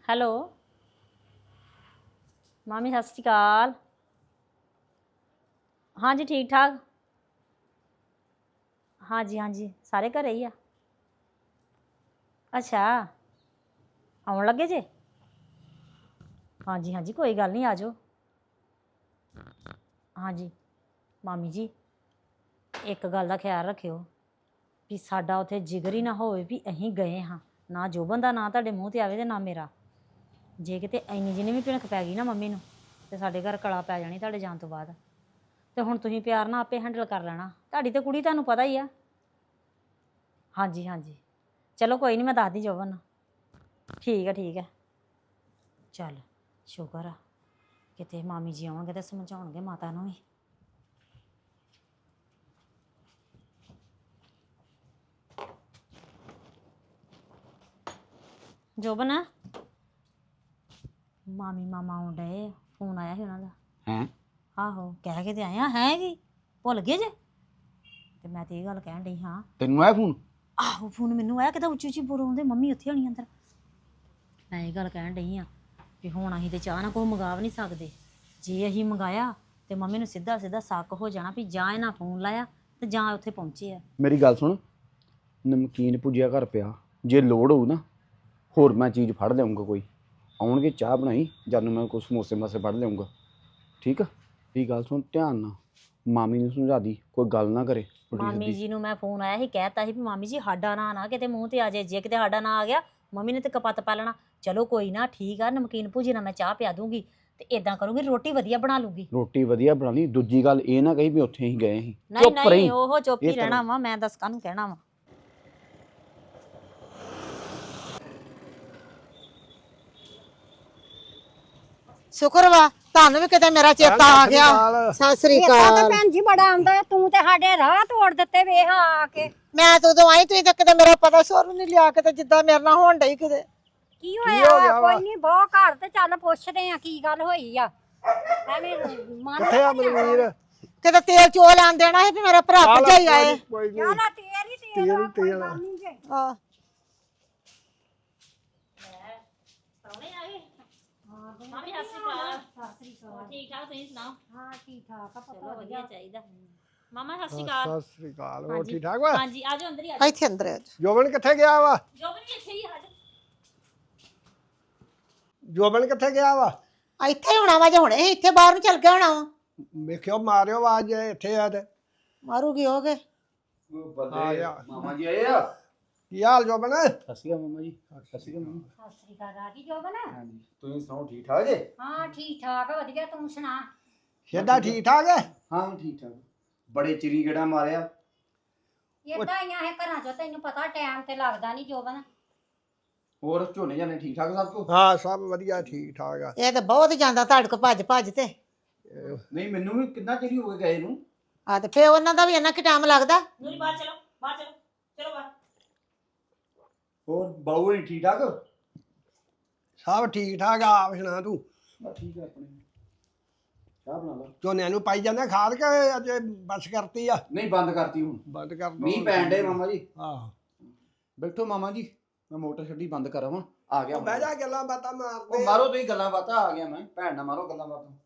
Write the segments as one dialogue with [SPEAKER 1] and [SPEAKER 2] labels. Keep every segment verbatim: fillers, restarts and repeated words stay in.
[SPEAKER 1] Hello ਮਾਮੀ ਸਤਿ ਸ਼੍ਰੀ ਅਕਾਲ। ਹਾਂਜੀ ਠੀਕ ਠਾਕ। ਹਾਂਜੀ ਹਾਂਜੀ ਸਾਰੇ ਘਰੇ ਹੀ ਆ। ਅੱਛਾ ਆਉਣ ਲੱਗੇ ਜੇ। ਹਾਂਜੀ ਹਾਂਜੀ ਕੋਈ ਗੱਲ ਨਹੀਂ ਆ ਜਾਓ। ਹਾਂਜੀ ਮਾਮੀ ਜੀ ਇੱਕ ਗੱਲ ਦਾ ਖਿਆਲ ਰੱਖਿਓ ਵੀ ਸਾਡਾ ਉੱਥੇ ਜਿਗਰ ਹੀ ਨਾ ਹੋਵੇ ਵੀ ਅਸੀਂ ਗਏ ਹਾਂ। ਨਾ ਜੋਬਨ ਦਾ ਨਾਂ ਤੁਹਾਡੇ ਮੂੰਹ 'ਤੇ ਆਵੇ ਅਤੇ ਨਾ ਮੇਰਾ। ਜੇ ਕਿਤੇ ਇੰਨੀ ਜਿੰਨੀ ਵੀ ਭਿਣਕ ਪੈ ਗਈ ਨਾ ਮੰਮੀ ਨੂੰ ਤੇ ਸਾਡੇ ਘਰ ਕਲਾ ਪੈ ਜਾਣੀ ਤੁਹਾਡੇ ਜਾਣ ਤੋਂ ਬਾਅਦ। ਤੇ ਹੁਣ ਤੁਸੀਂ ਪਿਆਰ ਨਾਲ ਆਪੇ ਹੈਂਡਲ ਕਰ ਲੈਣਾ। ਤੁਹਾਡੀ ਤਾਂ ਕੁੜੀ ਤੁਹਾਨੂੰ ਪਤਾ ਹੀ ਆ। ਹਾਂਜੀ ਹਾਂਜੀ ਚਲੋ ਕੋਈ ਨਹੀਂ ਮੈਂ ਦੱਸਦੀ ਜੋਬਨ ਨੂੰ। ਠੀਕ ਹੈ ਠੀਕ ਹੈ ਚੱਲ ਸ਼ੁਕਰ ਆ ਕਿਤੇ ਮਾਮੀ ਜੀ ਆਉਣਗੇ ਤਾਂ ਸਮਝਾਉਣਗੇ ਮਾਤਾ ਨੂੰ ਵੀ। ਜੋਬਨ ਮਾਮੀ ਮਾਮਾ ਆਉਣ ਡਏ। ਫੋਨ ਆਇਆ ਸੀ ਉਹਨਾਂ ਦਾ।
[SPEAKER 2] ਹੈਂ
[SPEAKER 1] ਆਹੋ ਕਹਿ ਕੇ ਤੇ ਆਏ ਆ। ਹੈ ਕੀ ਭੁੱਲ ਗਏ ਜੇ। ਤੇ ਮੈਂ ਤੇ ਇਹ ਗੱਲ ਕਹਿਣ ਡਈ ਹਾਂ।
[SPEAKER 2] ਤੈਨੂੰ ਆਇਆ ਫੋਨ?
[SPEAKER 1] ਆਹੋ ਫੋਨ ਮੈਨੂੰ ਆਇਆ ਕਿਤੇ ਉੱਚੀ ਉੱਚੀ ਬੋਲਦੇ ਮੰਮੀ ਉੱਥੇ ਹੋਣੀ ਅੰਦਰ। ਮੈਂ ਇਹ ਗੱਲ ਕਹਿਣ ਡਈ ਹਾਂ ਵੀ ਹੁਣ ਅਸੀਂ ਤੇ ਚਾਹ ਨਾ ਕੁਛ ਮੰਗਾ ਵੀ ਨਹੀਂ ਸਕਦੇ। ਜੇ ਅਸੀਂ ਮੰਗਾਇਆ ਤੇ ਮੰਮੀ ਨੂੰ ਸਿੱਧਾ ਸਿੱਧਾ ਸ਼ੱਕ ਹੋ ਜਾਣਾ ਵੀ ਜਾਂ ਇਹਨਾਂ ਫੋਨ ਲਾਇਆ ਤੇ ਜਾਂ ਉੱਥੇ ਪਹੁੰਚੇ ਆ।
[SPEAKER 2] ਮੇਰੀ ਗੱਲ ਸੁਣ, ਨਮਕੀਨ ਭੁਜਿਆ ਘਰ ਪਿਆ, ਜੇ ਲੋੜ ਹੋਊ ਨਾ ਹੋਰ ਮੈਂ ਚੀਜ਼ ਫੜ ਲਿਆਉਂਗਾ। ਕੋਈ ਆਉਣਗੇ ਚਾਹ ਬਣਾਈ, ਜਦ ਨੂੰ ਮੈਂ ਕੁਛ ਸਮੋਸੇ ਮਾਸੇ ਫੜ ਲਿਆਉਂਗਾ। ਠੀਕ ਆ? ਇਹ ਗੱਲ ਸੁਣ ਧਿਆਨ ਨਾਲ, ਮਾਮੀ ਨੂੰ ਸਮਝਾ ਦੀ ਕੋਈ ਗੱਲ ਨਾ ਕਰੇ।
[SPEAKER 1] ਮਾਮੀ ਜੀ ਨੂੰ ਮੈਂ ਫੋਨ ਆਇਆ ਸੀ ਕਹਿਤਾ ਸੀ ਵੀ ਮਾਮੀ ਜੀ ਸਾਡਾ ਨਾਂ ਨਾ ਕਿਤੇ ਮੂੰਹ ਤੇ ਆ ਜਾਏ। ਜੇ ਕਿਤੇ ਸਾਡਾ ਨਾਂ ਆ ਗਿਆ ਮੰਮੀ ਨੇ ਤੇ ਕਪੱਤ ਪਾ ਲੈਣਾ। ਚਲੋ ਕੋਈ ਨਾ ਠੀਕ ਆ ਨਮਕੀਨ ਭੁਜੀ ਨਾਲ ਮੈਂ ਚਾਹ ਪਿਆ ਦੂੰਗੀ ਤੇ ਇਦਾਂ ਕਰੂੰਗੀ ਰੋਟੀ ਵਧੀਆ ਬਣਾ ਲੂੰਗੀ।
[SPEAKER 2] ਰੋਟੀ ਵਧੀਆ ਬਣਾ ਲਈ। ਦੂਜੀ ਗੱਲ ਇਹ ਨਾ ਕਹੀ ਵੀ ਉੱਥੇ ਹੀ ਗਏ ਸੀ।
[SPEAKER 1] ਨਹੀਂ ਨਹੀਂ ਉਹ ਚੁੱਪ ਹੀ ਰਹਿਣਾ ਵਾ। ਮੈਂ ਦੱਸ ਕਾਹਨੂੰ ਕਹਿਣਾ ਵਾ।
[SPEAKER 3] ਸ਼ੁਕਰ ਵਾ ਤੁਹਾਨੂੰ ਵੀ ਕਿਤੇ ਮੇਰਾ ਚੇਤਾ ਆ ਗਿਆ। ਸਤਿ ਸ੍ਰੀ
[SPEAKER 4] ਅਕਾਲ
[SPEAKER 3] ਅਕਾਲ।
[SPEAKER 4] ਭੈਣ ਜੀ ਬੜਾ ਆਉਂਦਾ ਤੂੰ ਤੇ ਸਾਡੇ ਰਾਹ ਤੋੜ ਦਿੱਤੇ ਵੇਖ ਆ ਕੇ।
[SPEAKER 3] ਮੈਂ ਤਾਂ ਉਦੋਂ ਆਈ ਤੁਸੀਂ ਤਾਂ ਕਿਤੇ ਮੇਰਾ ਪਤਾ ਸੋਰ ਨਹੀਂ ਲਿਆ ਕਿਤੇ ਜਿੱਦਾਂ ਮੇਰੇ ਨਾਲ ਹੋਣ ਡਈ ਕਿਤੇ।
[SPEAKER 4] ਕੀ ਹੋਇਆ? ਕੋਈ ਨਹੀਂ ਬਹੁ ਘਰ ਤੇ ਚੱਲ ਪੁੱਛਦੇ ਆ ਕੀ ਗੱਲ ਹੋਈ ਆ। ਐਵੇਂ ਮਨ
[SPEAKER 5] ਕਿੱਥੇ ਆ ਮਨਵੀਰ?
[SPEAKER 3] ਕਿਤੇ ਤੇਲ ਚੋ ਲੈਣ ਦੇਣਾ ਸੀ ਵੀ ਮੇਰਾ ਭਰਾ ਭਜਾਈ ਆਏ।
[SPEAKER 5] ਕੋਈ ਨਹੀਂ
[SPEAKER 4] ਚੱਲ ਤੇਲ ਹੀ ਤੇਲ ਆ, ਕੋਈ ਗੱਲ ਨਹੀਂ ਜੇ।
[SPEAKER 3] ਹਾਂ
[SPEAKER 1] ਮਾਮੀ ਸਤਿ ਸ਼੍ਰੀ ਅਕਾਲ। ਸਤਿ ਸ਼੍ਰੀ ਅਕਾਲ। ਠੀਕ ਠਾਕ ਤੁਸੀਂ ਸੁਣਾਓ?
[SPEAKER 4] ਹਾਂ ਠੀਕ ਠਾਕ ਆ
[SPEAKER 1] ਚਲੋ
[SPEAKER 4] ਪਤਾ
[SPEAKER 1] ਵਧੀਆ ਚਾਹੀਦਾ। ਮਾਮਾ ਸਤਿ ਸ਼੍ਰੀ ਅਕਾਲ।
[SPEAKER 5] ਸਤਿ ਸ੍ਰੀ ਅਕਾਲ। ਹੋਰ ਠੀਕ ਠਾਕ ਵਾ?
[SPEAKER 1] ਹਾਂਜੀ ਆ ਜਾਓ ਅੰਦਰ ਹੀ ਆ ਜਾਓ।
[SPEAKER 3] ਇੱਥੇ ਅੰਦਰ ਆ ਜਾਓ।
[SPEAKER 5] ਜੋਬਨ ਕਿੱਥੇ ਗਿਆ ਵਾ?
[SPEAKER 1] ਜੋਬਨ ਵੀ ਇੱਥੇ ਹੀ ਆ ਜਾਓ।
[SPEAKER 5] ਜੋਬਨ ਕਿੱਥੇ ਗਿਆ ਵਾ?
[SPEAKER 3] ਇੱਥੇ ਹੋਣਾ ਵਾ ਜੇ ਹੁਣੇ ਹੀ ਇੱਥੇ ਬਾਹਰ ਨੂੰ ਚੱਲ ਗਿਆ ਹੋਣਾ ਵਾ।
[SPEAKER 5] ਵੇਖਿਓ ਮਾਰਿਓ ਆਵਾਜ਼ ਜੇ ਇੱਥੇ ਆ ਤੇ।
[SPEAKER 3] ਮਾਰੂਗੀ ਹੋ ਗਏ।
[SPEAKER 5] ਆ ਗਿਆ।
[SPEAKER 2] ਮਾਮਾ ਜੀ ਆਏ ਆ।
[SPEAKER 5] ਕੀ ਹਾਲ ਜੋਬਨ?
[SPEAKER 2] ਸਤਿ ਸ਼੍ਰੀ ਅਕਾਲ ਮਾਮਾ ਜੀ। ਸਤਿ ਸ਼੍ਰੀ ਅਕਾਲ ਮਾਮਾ।
[SPEAKER 4] ਸਤਿ ਸ੍ਰੀ ਅਕਾਲ ਰਾਜੀ ਜੋਬਨ।
[SPEAKER 2] ਹਾਂਜੀ ਤੁਸੀਂ ਸੁਣਾਓ ਠੀਕ ਠਾਕ ਜੇ?
[SPEAKER 4] ਹਾਂ ਠੀਕ ਠਾਕ ਆ ਵਧੀਆ ਤੂੰ ਸੁਣਾ।
[SPEAKER 5] ਸਿੱਧਾ ਠੀਕ ਠਾਕ ਹੈ?
[SPEAKER 2] ਹਾਂ ਠੀਕ ਠਾਕ। ਬੜੇ ਚਿਰੀ ਗੇੜਾ ਮਾਰਿਆ।
[SPEAKER 4] ਏਦਾਂ ਹੀ ਆ ਇਹ ਘਰਾਂ ਚੋਂ ਤੈਨੂੰ ਪਤਾ ਟਾਈਮ ਤੇ ਲੱਗਦਾ ਨਹੀਂ ਜੋਬਨ।
[SPEAKER 2] ਹੋਰ ਝੋਨੇ ਜਾਨੇ ਠੀਕ ਠਾਕ ਸਭ ਕੁਛ?
[SPEAKER 5] ਹਾਂ ਸਭ ਵਧੀਆ ਠੀਕ ਠਾਕ ਆ।
[SPEAKER 3] ਇਹ ਤਾਂ ਬਹੁਤ ਜਾਂਦਾ ਤੁਹਾਡੇ ਕੋ ਭੱਜ ਭੱਜ ਤੇ।
[SPEAKER 2] ਨਹੀਂ ਮੈਨੂੰ ਵੀ ਕਿੰਨਾ ਚਿਰ ਹੋ ਗਿਆ ਗਏ ਨੂੰ।
[SPEAKER 3] ਆ ਤੇ ਫੇਰ ਉਹਨਾਂ ਦਾ ਵੀ ਇੰਨਾ ਕਿ ਟਾਈਮ ਲੱਗਦਾ।
[SPEAKER 1] ਨੂਰੀ ਬਾਹਰ ਚਲੋ ਬਾਹਰ ਚਲੋ ਚਲੋ ਬਾਹਰ।
[SPEAKER 2] ਹੋਰ ਬਾਊ ਨਹੀਂ ਠੀਕ ਠਾਕ?
[SPEAKER 5] ਸਭ ਠੀਕ ਠਾਕ ਆ। ਆਪ ਸੁਣਾ ਤੂੰ?
[SPEAKER 2] ਬਸ ਠੀਕ ਹੈ ਆਪਣੇ। ਚਾਹ ਬਣਾ ਲਾ।
[SPEAKER 5] ਝੋਨਿਆਂ ਨੂੰ ਪਾਈ ਜਾਂਦਾ ਖਾਦ ਕੇ ਅੱਜ ਬਸ ਕਰਤੀ ਆ?
[SPEAKER 2] ਨਹੀਂ ਬੰਦ ਕਰਤੀ ਹੁਣ।
[SPEAKER 5] ਬੰਦ ਕਰ ਦੋ।
[SPEAKER 2] ਮੀਂਹ ਪੈਣ ਡੇ ਮਾਮਾ ਜੀ।
[SPEAKER 5] ਆਹੋ
[SPEAKER 2] ਬੈਠੋ ਮਾਮਾ ਜੀ, ਮੈਂ ਮੋਟਰ ਛੱਡੀ ਬੰਦ ਕਰਾਵਾਂ। ਆ ਗਿਆ
[SPEAKER 5] ਬਹਿ ਜਾ ਗੱਲਾਂ ਬਾਤਾਂ
[SPEAKER 2] ਉਹ
[SPEAKER 5] ਮਾਰਦੇ।
[SPEAKER 2] ਮਾਰੋ ਤੁਸੀਂ ਗੱਲਾਂ ਬਾਤਾਂ। ਆ ਗਿਆ ਮੈਂ। ਭੈਣ ਨਾਲ ਮਾਰੋ ਗੱਲਾਂ ਬਾਤਾਂ।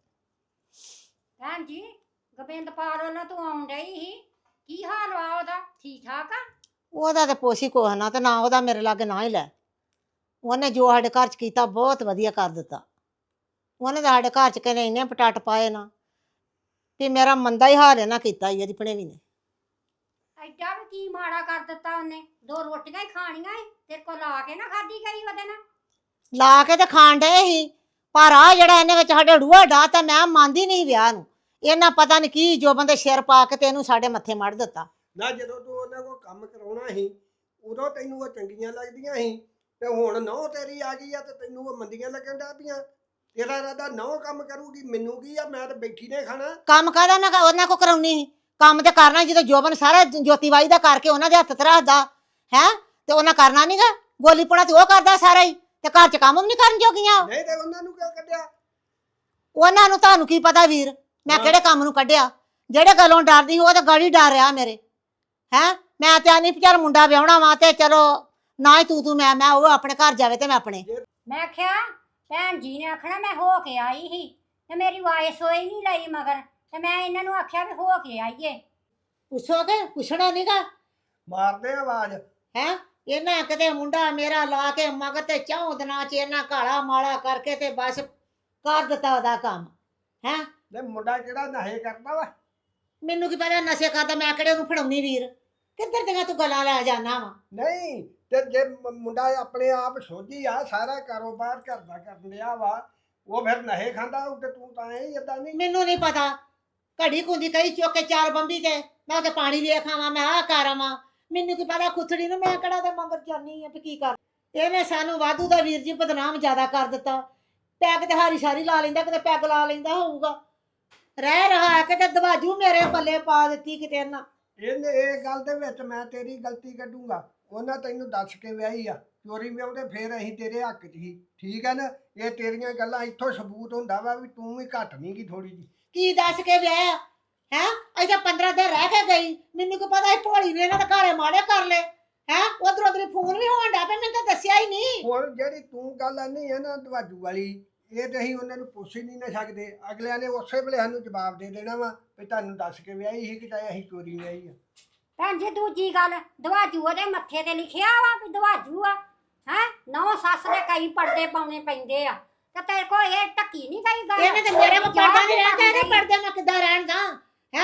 [SPEAKER 4] ਭੈਣ ਜੀ ਗੋਬਿੰਦਪਾਲ ਵੱਲੋਂ ਤੂੰ ਆਉਣ ਡਈ ਸੀ ਕੀ ਹਾਲ ਵਾ ਉਹਦਾ? ਠੀਕ ਠਾਕ ਆ?
[SPEAKER 3] ਉਹਦਾ ਤੇ ਪੋਸੀ ਕੋਹ ਨਾ ਤੇ ਨਾ ਉਹਦਾ ਮੇਰੇ ਲਾਗੇ ਨਾ ਹੀ ਲੈ। ਉਹਨੇ ਜੋ ਸਾਡੇ ਘਰ ਚ ਕੀਤਾ ਬਹੁਤ ਵਧੀਆ ਕਰ ਦਿੱਤਾ। ਉਹਨੇ ਤਾਂ ਸਾਡੇ ਘਰ ਚ ਕਹਿੰਦੇ ਇੰਨੇ ਪਟਾਟ ਪਾਏ ਨਾ ਵੀ ਮੇਰਾ ਮੰਦਾ ਹੀ ਹਾਲ ਇਹਨਾਂ ਕੀਤਾ ਹੀ ਇਹਦੀ ਭਣੇਵੀਂ ਨੇ।
[SPEAKER 4] ਐਡਾ ਵੀ ਕੀ ਮਾੜਾ ਕਰ ਦਿੱਤਾ ਉਹਨੇ? ਦੋ ਰੋਟੀਆਂ ਹੀ ਖਾਣੀਆਂ ਈ ਤੇਰੇ ਕੋਲ ਲਾ ਕੇ ਨਾ ਖਾਧੀ ਗਈ ਉਹਦੇ ਨਾਲ।
[SPEAKER 3] ਲਾ ਕੇ ਤੇ ਖਾਣ ਡਏ ਸੀ ਪਰ ਆ ਜਿਹੜਾ ਇਹਨੇ ਵਿੱਚ ਸਾਡੇ ਰੂਹਾ ਡਾ ਤਾਂ ਮੈਂ ਮੰਨਦੀ ਨਹੀਂ ਵਿਆਹ ਨੂੰ। ਇਹਨਾਂ ਪਤਾ ਨਹੀਂ ਕੀ ਜੋ ਬੰਦੇ ਸਿਰ ਪਾ ਕੇ ਤੇ ਇਹਨੂੰ ਸਾਡੇ ਮੱਥੇ ਮੜ ਦਿੱਤਾ।
[SPEAKER 5] ਨਾ ਜਦੋਂ ਤੂੰ ਉਹਨਾਂ ਕੋਲ ਕੰਮ ਕਰਾਉਣਾ ਸੀ ਉਦੋਂ ਤੈਨੂੰ ਉਹ ਚੰਗੀਆਂ ਲੱਗਦੀਆਂ ਸੀ ਤੇ ਹੁਣ ਨਹੁੰ ਤੇਰੀ ਆ ਗਈ ਆ ਤੇ ਤੈਨੂੰ ਉਹ ਮੰਦੀਆਂ ਲੱਗਣ ਡੈ ਪਈਆਂ। ਤੇਰਾ ਇਰਾਦਾ ਨਹੁੰ ਕੰਮ ਕਰੂਗੀ ਮੈਨੂੰ ਕੀ ਆ? ਮੈਂ ਤਾਂ ਬੈਠੀ ਨੇ ਖਾਣਾ।
[SPEAKER 3] ਕੰਮ ਕਾਹਦਾ ਮੈਂ ਉਹਨਾਂ ਕੋ ਕਰਾਉਣੀ ਸੀ? ਕੰਮ ਤੇ ਕਰਨਾ ਜਦੋਂ ਜੋਬਨ ਸਾਰਾ ਜੋਤੀਬਾਈ ਦਾ ਕਰਕੇ ਉਹਨਾਂ ਦੇ ਹੱਥ ਤੇ ਰੱਖਦਾ ਹੈ ਤੇ ਉਹਨਾਂ ਕਰਨਾ ਨਹੀਂਗਾ। ਗੋਲੀ ਪੁਣਾ ਤੇ ਉਹ ਕਰਦਾ ਸਾਰਾ ਹੀ ਤੇ ਘਰ ਚ ਕੰਮ ਵੀ ਨਹੀਂ ਕਰਨ ਜੋਗੀਆਂ।
[SPEAKER 5] ਨਹੀਂ ਤੇ ਉਹਨਾਂ ਨੂੰ ਕਿਉਂ ਕੱਢਿਆ?
[SPEAKER 3] ਉਹਨਾਂ ਨੂੰ ਤੁਹਾਨੂੰ ਕੀ ਪਤਾ ਵੀਰ ਮੈਂ ਕਿਹੜੇ ਕੰਮ ਨੂੰ ਕੱਢਿਆ? ਜਿਹੜੇ ਗੱਲੋਂ ਡਰਦੀ ਸੀ ਉਹ ਤਾਂ ਗਾੜੀ ਡਰ ਰਿਹਾ ਮੇਰੇ। ਹੈਂ ਮੈਂ ਤੇ ਆਨੀ ਚੱਲ ਮੁੰਡਾ ਵਿਆਹਣਾ ਵਾ ਤੇ ਚਲੋ ਨਾ ਹੀ ਤੂੰ ਤੂੰ ਮੈਂ ਮੈਂ ਉਹ ਆਪਣੇ ਘਰ ਜਾਵੇ ਤੇ ਮੈਂ ਆਪਣੇ।
[SPEAKER 4] ਮੈਂ ਆਖਿਆ ਭੈਣ ਜੀ ਨੇ ਆਖਣਾ ਮੈਂ ਹੋ ਕੇ ਆਈ ਸੀ ਤੇ ਮੇਰੀ ਵਾਇਸ ਹੋਈ ਨਹੀਂ ਲਈ ਮਗਰ ਤੇ ਮੈਂ ਇਹਨਾਂ ਨੂੰ ਆਖਿਆ ਵੀ ਹੋ ਕੇ ਆਈਏ।
[SPEAKER 3] ਪੁੱਛੋਗੇ ਪੁੱਛਣਾ ਨਹੀਂਗਾ
[SPEAKER 5] ਮਾਰਦੇ ਆ ਆਵਾਜ਼।
[SPEAKER 3] ਹੈ ਇਹਨਾਂ ਕਿਤੇ ਮੁੰਡਾ ਮੇਰਾ ਲਾ ਕੇ ਮਗਰ ਤੇ ਚੌਂ ਦਿਨਾਂ ਚ ਇਹਨਾਂ ਕਾਲਾ ਮਾਲਾ ਕਰਕੇ ਤੇ ਬਸ ਕਰ ਦਿੱਤਾ ਉਹਦਾ ਕੰਮ। ਹੈ
[SPEAKER 5] ਤੇ ਮੁੰਡਾ ਕਿਹੜਾ ਨਸ਼ੇ ਕਰਦਾ ਵਾ?
[SPEAKER 3] ਮੈਨੂੰ ਕੀ ਪਤਾ ਨਸ਼ੇ ਕਰਦਾ, ਮੈਂ ਕਿਹੜੇ ਉਹਨੂੰ ਫੜਾਉਣੀ ਵੀਰ। ਕਿੱਧਰ ਦੀਆਂ ਤੂੰ ਗੱਲਾਂ ਲੈ ਜਾਣਾ ਵਾ?
[SPEAKER 5] ਨਹੀਂ ਤੇ ਜੇ ਮ- ਮੁੰਡਾ ਆਪਣੇ ਆਪ ਸੋਝੀ ਆ, ਸਾਰਾ ਕਾਰੋਬਾਰ ਘਰ ਦਾ ਕਰਨ ਡਿਆ ਵਾ, ਉਹ ਫਿਰ ਨਸ਼ੇ ਖਾਂਦਾ ਹੋਊ ਤੇ ਤੂੰ ਤਾਂ ਇਹ ਏਦਾਂ ਨਹੀਂ।
[SPEAKER 3] ਮੈਨੂੰ ਨਹੀਂ ਪਤਾ। ਘੜੀ ਕੁੰਦੀ ਕਈ ਚੁੱਕ ਕੇ ਚਾਰ ਬੰਬੀ ਤੇ ਮੈਂ ਤੇ ਪਾਣੀ ਵੇਖ ਆਵਾਂ, ਮੈਂ ਆਹ ਕਰ ਆਵਾਂ। ਮੈਨੂੰ ਕੀ ਪਤਾ ਖੁੱਥੜੀ ਨੂੰ ਮੈਂ ਕਿਹੜਾ ਤੇ ਮਗਰ ਜਾਨੀ ਆ ਵੀ ਕੀ ਕਰ। ਇਹਨੇ ਸਾਨੂੰ ਵਾਧੂ ਦਾ ਵੀਰ ਜੀ ਬਦਨਾਮ ਜ਼ਿਆਦਾ ਕਰ ਦਿੱਤਾ। ਪੈਗ ਤੇ ਹਾਰੀ ਸਾਰੀ ਲਾ ਲੈਂਦਾ, ਕਿਤੇ ਪੈਗ ਲਾ ਲੈਂਦਾ ਹੋਊਗਾ। ਰਹਿ ਰਹਾ ਕਿਤੇ ਦਵਾਜੂ ਮੇਰੇ ਪੱਲੇ ਪਾ ਦਿੱਤੀ ਕਿਤੇ ਨਾ।
[SPEAKER 5] ਇਹਨੇ ਇਹ ਗੱਲ ਦੇ ਵਿੱਚ ਮੈਂ ਤੇਰੀ ਗਲਤੀ ਕੱਢੂੰਗਾ। ਉਹਨਾਂ ਤੈਨੂੰ ਦੱਸ ਕੇ ਵਿਆਹੀ ਆ, ਚੋਰੀ ਵਿਆਹੁੰਦੇ ਫੇਰ ਅਸੀਂ ਤੇਰੇ ਹੱਕ 'ਚ ਹੀ। ਠੀਕ ਹੈ ਨਾ? ਇਹ ਤੇਰੀਆਂ ਗੱਲਾਂ ਇੱਥੋਂ ਸਬੂਤ ਹੁੰਦਾ ਵਾ ਵੀ ਤੂੰ ਵੀ ਘੱਟ ਨਹੀਂ ਗੀ ਥੋੜੀ ਜੀ।
[SPEAKER 3] ਕੀ ਦੱਸ ਕੇ ਵਿਆਹ ਹੈ? ਅਜੇ ਪੰਦਰਾਂ ਦਿਨ ਰਹਿ ਕੇ ਗਈ। ਮੈਨੂੰ ਕੀ ਪਤਾ ਸੀ ਭੋਲੀ ਨੇ ਇਹਨਾਂ ਦੇ ਘਰੇ ਮਾੜੇ ਕਰ ਲਏ। ਹੈ ਉਧਰ ਉਧਰ ਫੋਨ ਵੀ ਹੋਣ ਡਿਆ ਪਿਆ, ਮੈਨੂੰ ਤਾਂ ਦੱਸਿਆ ਹੀ ਨਹੀਂ।
[SPEAKER 5] ਹੁਣ ਜਿਹੜੀ ਤੂੰ ਗੱਲ ਆਨੀ ਹੈ ਨਾ ਦਵਾਜੂ ਵਾਲੀ, ਇਹ ਤੇ ਅਸੀਂ ਉਹਨਾਂ ਨੂੰ ਪੁੱਛ ਹੀ ਨਹੀਂ ਨਾ ਸਕਦੇ। ਅਗਲਿਆਂ ਨੇ ਉਸੇ ਵੇਲੇ ਸਾਨੂੰ ਜਵਾਬ ਦੇ ਦੇਣਾ ਵਾ ਵੀ ਤੁਹਾਨੂੰ ਦੱਸ ਕੇ ਵਿਆਹੀ ਸੀ ਕਿ ਚਾਹੇ ਅਸੀਂ ਚੋਰੀ ਵਿਆਹੀ ਆ।
[SPEAKER 4] ਭੈਣ ਜੀ ਦੂਜੀ ਗੱਲ, ਦਵਾਜੂ ਉਹਦੇ ਮੱਥੇ ਤੇ ਲਿਖਿਆ ਵਾ ਵੀ ਦਵਾਜੂ ਆ। ਹੈ ਨੌ ਸੱਸ ਦੇ ਕਈ ਪਰਦੇ ਪਾਉਣੇ ਪੈਂਦੇ ਆ ਤੇ ਤੇਰੇ ਕੋਲ ਇਹ ਟੱਕੀ ਨਹੀਂ ਗਈ ਗੱਲ।
[SPEAKER 3] ਇਹਨੇ ਤੇ ਮੇਰੇ ਕੋਲ ਪਰਦਾ ਨਹੀਂ ਰਹਿੰਦਾ, ਇਹਦੇ ਪਰਦੇ ਮੈਂ ਕਿੱਦਾਂ ਰਹਿਣ ਦਾ? ਹੈ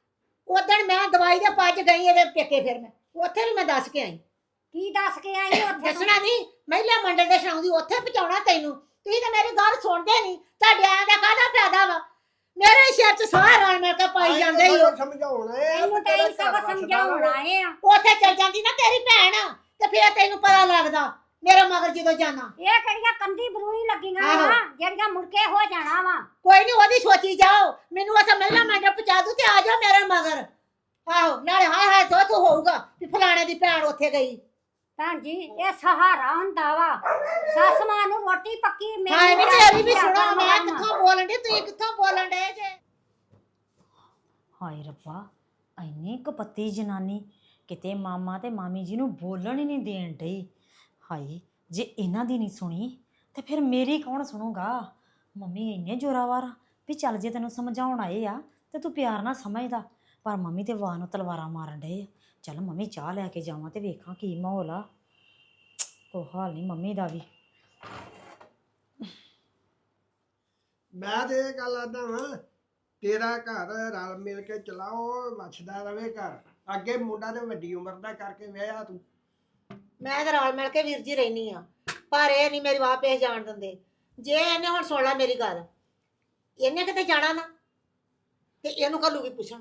[SPEAKER 3] ਉਦਣ ਮੈਂ ਦਵਾਈ ਦੇ ਪੱਜ ਗਈ ਇਹਦੇ ਪੇਕੇ, ਫਿਰ ਮੈਂ ਉੱਥੇ ਵੀ ਮੈਂ ਦੱਸ ਕੇ ਆਈ।
[SPEAKER 4] ਕੀ ਦੱਸ ਕੇ ਆਈ ਉੱਥੇ ਤੂੰ?
[SPEAKER 3] ਦੱਸਣਾ ਨਹੀਂ, ਮਹਿਲਾ ਮੰਡਲ ਦੇ ਛਾਉਂਦੀ ਉੱਥੇ ਪਹੁੰਚਾਉਣਾ ਤੈਨੂੰ। ਤੁਸੀਂ ਤਾਂ ਮੇਰੀ ਗੱਲ ਸੁਣਦੇ ਨਹੀਂ। ਤੁਹਾਡੇ ਆਇਆਂ ਦਾ ਕਾਹਦਾ ਫਾਇਦਾ ਵਾ? ਮੇਰੇ ਸਿਰ 'ਚ ਸਾਹ ਰਲ ਮਿਲ ਕੇ ਪਾਈ ਜਾਂਦੇ ਹੀ ਹੋ।
[SPEAKER 5] ਸਮਝਾਉਣਾ ਹੈ
[SPEAKER 4] ਤੈਨੂੰ ਤਾਂ ਇਹ ਸਭ ਸਮਝਾਉਣਾ ਆਏ ਆ।
[SPEAKER 3] ਉੱਥੇ ਚਲ ਜਾਂਦੀ ਨਾ ਤੇਰੀ ਭੈਣ ਤੇ ਫਿਰ ਤੈਨੂੰ ਪਤਾ ਲੱਗਦਾ ਮੇਰੇ ਮਗਰ ਜਦੋਂ ਜਾਣਾ।
[SPEAKER 4] ਇਹ ਕਿਹੜੀਆਂ ਕੰਦੀ ਬਰੂਈ ਲੱਗੀਆਂ
[SPEAKER 3] ਆਹੋ।
[SPEAKER 4] ਵਾ ਜਿਹੜੀਆਂ ਮੁੜ ਕੇ ਹੋ ਜਾਣਾ ਵਾ।
[SPEAKER 3] ਕੋਈ ਨਹੀਂ ਉਹਦੀ ਸੋਚੀ ਜਾਓ। ਮੈਨੂੰ ਉੱਥੇ ਮਹਿਲਾ ਮੰਡਲ ਪਹੁੰਚਾ ਦੂ ਤੇ ਆ ਜਾਓ ਮੇਰੇ ਮਗਰ। ਆਹੋ ਨਾਲੇ ਹਾਏ ਹਾਏ ਤੋ ਤੂੰ ਹੋਊਗਾ ਵੀ ਫਲਾਣੇ ਦੀ ਭੈਣ ਉੱਥੇ ਗਈ।
[SPEAKER 4] ਭੈਣ ਜੀ ਇਹ ਸਹਾਰਾ ਹੁੰਦਾ ਵਾ। ਸੱਸ ਮਾਂ ਨੂੰ ਰੋਟੀ ਪੱਕੀ
[SPEAKER 3] ਹਾਏ ਨਹੀਂ ਤੇਰੀ ਵੀ ਸੁਣੋ, ਮੈਂ ਕਿੱਥੋਂ ਬੋਲਣ ਦੀ, ਤੁਸੀਂ ਕਿੱਥੋਂ ਬੋਲਣ ਦੇ ਜੇ?
[SPEAKER 1] ਹਾਏ ਰੱਬਾ, ਐਨੀ ਕਪੱਤੀ ਜਨਾਨੀ, ਕਿਤੇ ਮਾਮਾ ਤੇ ਮਾਮੀ ਜੀ ਨੂੰ ਬੋਲਣ ਹੀ ਨਹੀਂ ਦੇਣ ਡਈ। ਹਾਏ ਜੇ ਇਹਨਾਂ ਦੀ ਨਹੀਂ ਸੁਣੀ ਤੇ ਫਿਰ ਮੇਰੀ ਕੌਣ ਸੁਣੂਗਾ? ਮੰਮੀ ਇੰਨੇ ਜ਼ੋਰਾਵਰ ਵੀ ਚੱਲ ਜੇ ਤੈਨੂੰ ਸਮਝਾਉਣ ਆਏ ਆ ਤੇ ਤੂੰ ਪਿਆਰ ਨਾਲ ਸਮਝਦਾ, ਪਰ ਮੰਮੀ ਤੇ ਵਾਹ ਨੂੰ ਤਲਵਾਰਾਂ ਮਾਰਨ ਡਏ ਆ। ਚੱਲ ਮੰਮੀ ਚਾਹ ਲੈ ਕੇ ਜਾਵਾਂ ਤੇ ਵੇਖਾਂ ਕੀ ਮਾਹੌਲ ਆ। ਕੋਈ ਹਾਲ ਨਹੀਂ ਮੰਮੀ ਦਾ ਵੀ।
[SPEAKER 5] ਮੈਂ ਤੇ ਇਹ ਗੱਲ ਆਦਾ ਵਾਂ, ਤੇਰਾ ਘਰ ਰਲ ਮਿਲ ਕੇ ਚਲਾਓ, ਵੱਸਦਾ ਰਵੇ ਘਰ। ਅੱਗੇ ਮੁੰਡਾ ਤੇ ਵੱਡੀ ਉਮਰ ਦਾ ਕਰਕੇ ਵਿਆਹਿਆ ਤੂੰ।
[SPEAKER 3] ਮੈਂ ਤਾਂ ਰਲ ਮਿਲ ਕੇ ਵੀਰ ਜੀ ਰਹਿਨੀ ਆ, ਪਰ ਇਹ ਨਹੀਂ ਮੇਰੀ ਵਾਹ ਪੇਸ਼ ਜਾਣ ਦਿੰਦੇ। ਜੇ ਇਹਨੇ ਹੁਣ ਸੁਣ ਲਾ ਮੇਰੀ ਗੱਲ, ਇਹਨੇ ਕਿਤੇ ਜਾਣਾ ਨਾ ਤੇ ਇਹਨੂੰ ਘੱਲੂਗੀ ਪੁੱਛਣ।